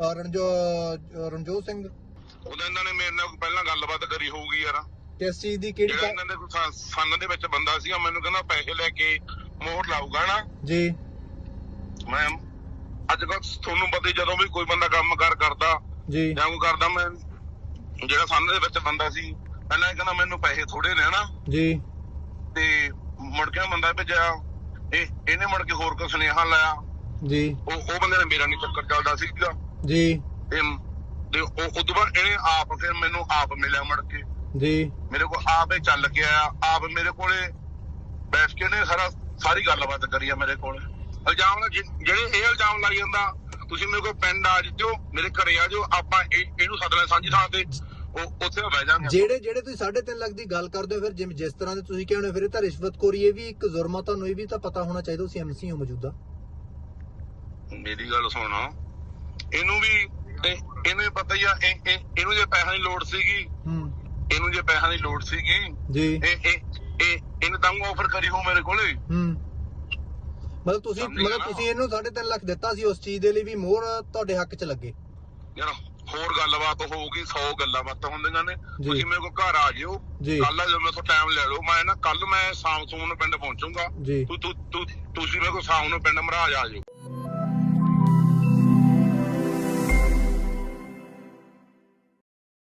E: ਰਣਜੋਤ ਸਿੰਘ
D: ਉਹਦਾ ਇਹਨਾਂ ਨੇ ਮੇਰੇ ਨਾਲ ਪਹਿਲਾਂ ਗੱਲਬਾਤ ਕਰੀ ਹੋਊਗੀ ਯਾਰ।
E: ਕਿਸ ਚੀਜ਼ ਦੀ? ਕਿਹੜੀ?
D: ਇਹਨਾਂ ਦੇ ਸੰਨ ਦੇ ਵਿੱਚ ਬੰਦਾ ਸੀਗਾ, ਮੈਨੂੰ ਕਹਿੰਦਾ ਪੈਸੇ ਲੈ ਕੇ ਮੋਹਰ ਲਾਊਗਾ ਨਾ
E: ਜੀ।
D: ਮੈਂ ਅੱਜ ਕੱਲ ਤੁਹਾਨੂੰ ਪਤਾ, ਜਦੋਂ ਵੀ ਕੋਈ ਬੰਦਾ ਕੰਮ ਕਰਦਾ
E: ਜੀ
D: ਜਾਂ ਕੋਈ ਕਰਦਾ, ਮੈਂ ਜਿਹੜਾ ਸੰਨ ਦੇ ਵਿੱਚ ਬੰਦਾ ਸੀ ਪਹਿਲਾਂ ਕਹਿੰਦਾ ਮੈਨੂੰ ਪੈਸੇ ਥੋੜੇ ਨੇ ਨਾ ਜੀ, ਤੇ ਮੁੜ ਕੇ ਬੰਦਾ ਭੇਜਿਆ, ਇਹਨੇ ਮੁੜ ਕੇ ਹੋਰ ਕੋ ਸੁਨੇਹਾ ਲਾਇਆ ਜੀ। ਉਹ ਬੰਦੇ ਨੇ ਮੇਰਾ ਨਹੀਂ ਚੱਕਰ ਚੱਲਦਾ ਸੀਗਾ ਜੀ, ਤੇ ਉਹ ਤੋਂ ਬਾਅਦ ਇਹਨੇ ਆਪ ਫਿਰ ਮੈਨੂੰ ਆਪ ਮਿਲਿਆ ਮੁੜ ਕੇ ਜੀ, ਮੇਰੇ ਕੋਲ ਆਪ ਹੀ ਚੱਲ ਕੇ ਆਇਆ, ਆਪ ਮੇਰੇ ਕੋਲੇ ਬੈਠ ਕੇ ਨੇ ਸਾਰੀ ਗੱਲਬਾਤ ਕਰੀ ਆ ਮੇਰੇ ਕੋਲ। ਇਲਜ਼ਾਮ ਜਿਹੜੇ ਇਹ ਇਲਜ਼ਾਮ ਲਾਈ ਜਾਂਦਾ, ਤੁਸੀਂ ਮੇਰੇ ਕੋਲ ਪਿੰਡ ਆ ਜਾਓ, ਮੇਰੇ ਘਰੇ ਆ ਜਾਓ, ਆਪਾਂ ਇਹਨੂੰ ਸੱਦ ਲੈ ਸਾਂਝੀ ਥਾਂ ਤੇ, ਉਹ ਉੱਥੇ ਬਹਿ ਜਾਾਂਗੇ।
E: ਜਿਹੜੇ ਤੁਸੀਂ 3.5 ਲੱਖ ਦੀ ਗੱਲ ਕਰਦੇ ਹੋ, ਫਿਰ ਜਿਸ ਤਰ੍ਹਾਂ ਦੇ ਤੁਸੀਂ ਕਹਿੰਦੇ ਹੋ, ਫਿਰ ਇਹ ਤਾਂ ਰਿਸ਼ਵਤਖੋਰੀ, ਇਹ ਵੀ ਇੱਕ ਜ਼ੁਰਮ ਆ, ਤੁਹਾਨੂੰ ਇਹ ਵੀ ਤਾਂ ਪਤਾ ਹੋਣਾ ਚਾਹੀਦਾ, ਤੁਸੀਂ ਐਮਸੀ ਹੋ ਮੌਜੂਦਾ।
D: ਮੇਰੀ ਗੱਲ ਸੁਣ, ਇਹਨੂੰ ਵੀ ਪਤਾ ਹੀ ਆ, ਇਹਨੂੰ ਜੇ ਪੈਸਿਆਂ ਦੀ ਲੋੜ ਸੀਗੀ, ਇਹਨੂੰ ਜੇ ਪੈਸਿਆਂ ਦੀ ਲੋੜ ਸੀਗੀ
E: ਜੀ,
D: ਇਹਨੇ ਤਾਂ ਆਫਰ ਕਰੀ ਹੋ ਮੇਰੇ ਕੋਲੇ।
E: ਮਤਲਬ ਤੁਸੀਂ ਇਹਨੂੰ 3.5 ਲੱਖ ਦਿੱਤਾ ਸੀ ਉਸ ਚੀਜ਼ ਦੇ ਲਈ ਵੀ ਮੋਹਰ ਤੁਹਾਡੇ ਹੱਕ 'ਚ ਲੱਗੇ।
D: ਯਾਰ ਹੋਰ ਗੱਲਬਾਤ ਹੋਊਗੀ, 100 ਗੱਲਾਂ ਬਾਤਾਂ ਹੁੰਦੀਆਂ ਨੇ। ਤੁਸੀਂ ਮੇਰੇ ਕੋਲ ਘਰ ਆ ਜਿਓ ਕੱਲ, ਜਦੋਂ ਮੇਰੇ ਤੋਂ ਟਾਈਮ ਲੈ ਲਓ, ਮੈਂ ਨਾ ਕੱਲ ਮੈਂ ਸ਼ਾਮ ਨੂੰ ਪਿੰਡ ਪਹੁੰਚੂਗਾ। ਤੁਸੀਂ ਮੇਰੇ ਕੋਲ ਸ਼ਾਮ ਨੂੰ ਪਿੰਡ ਮਹਾਰਾਜ ਆ ਜਿਓ।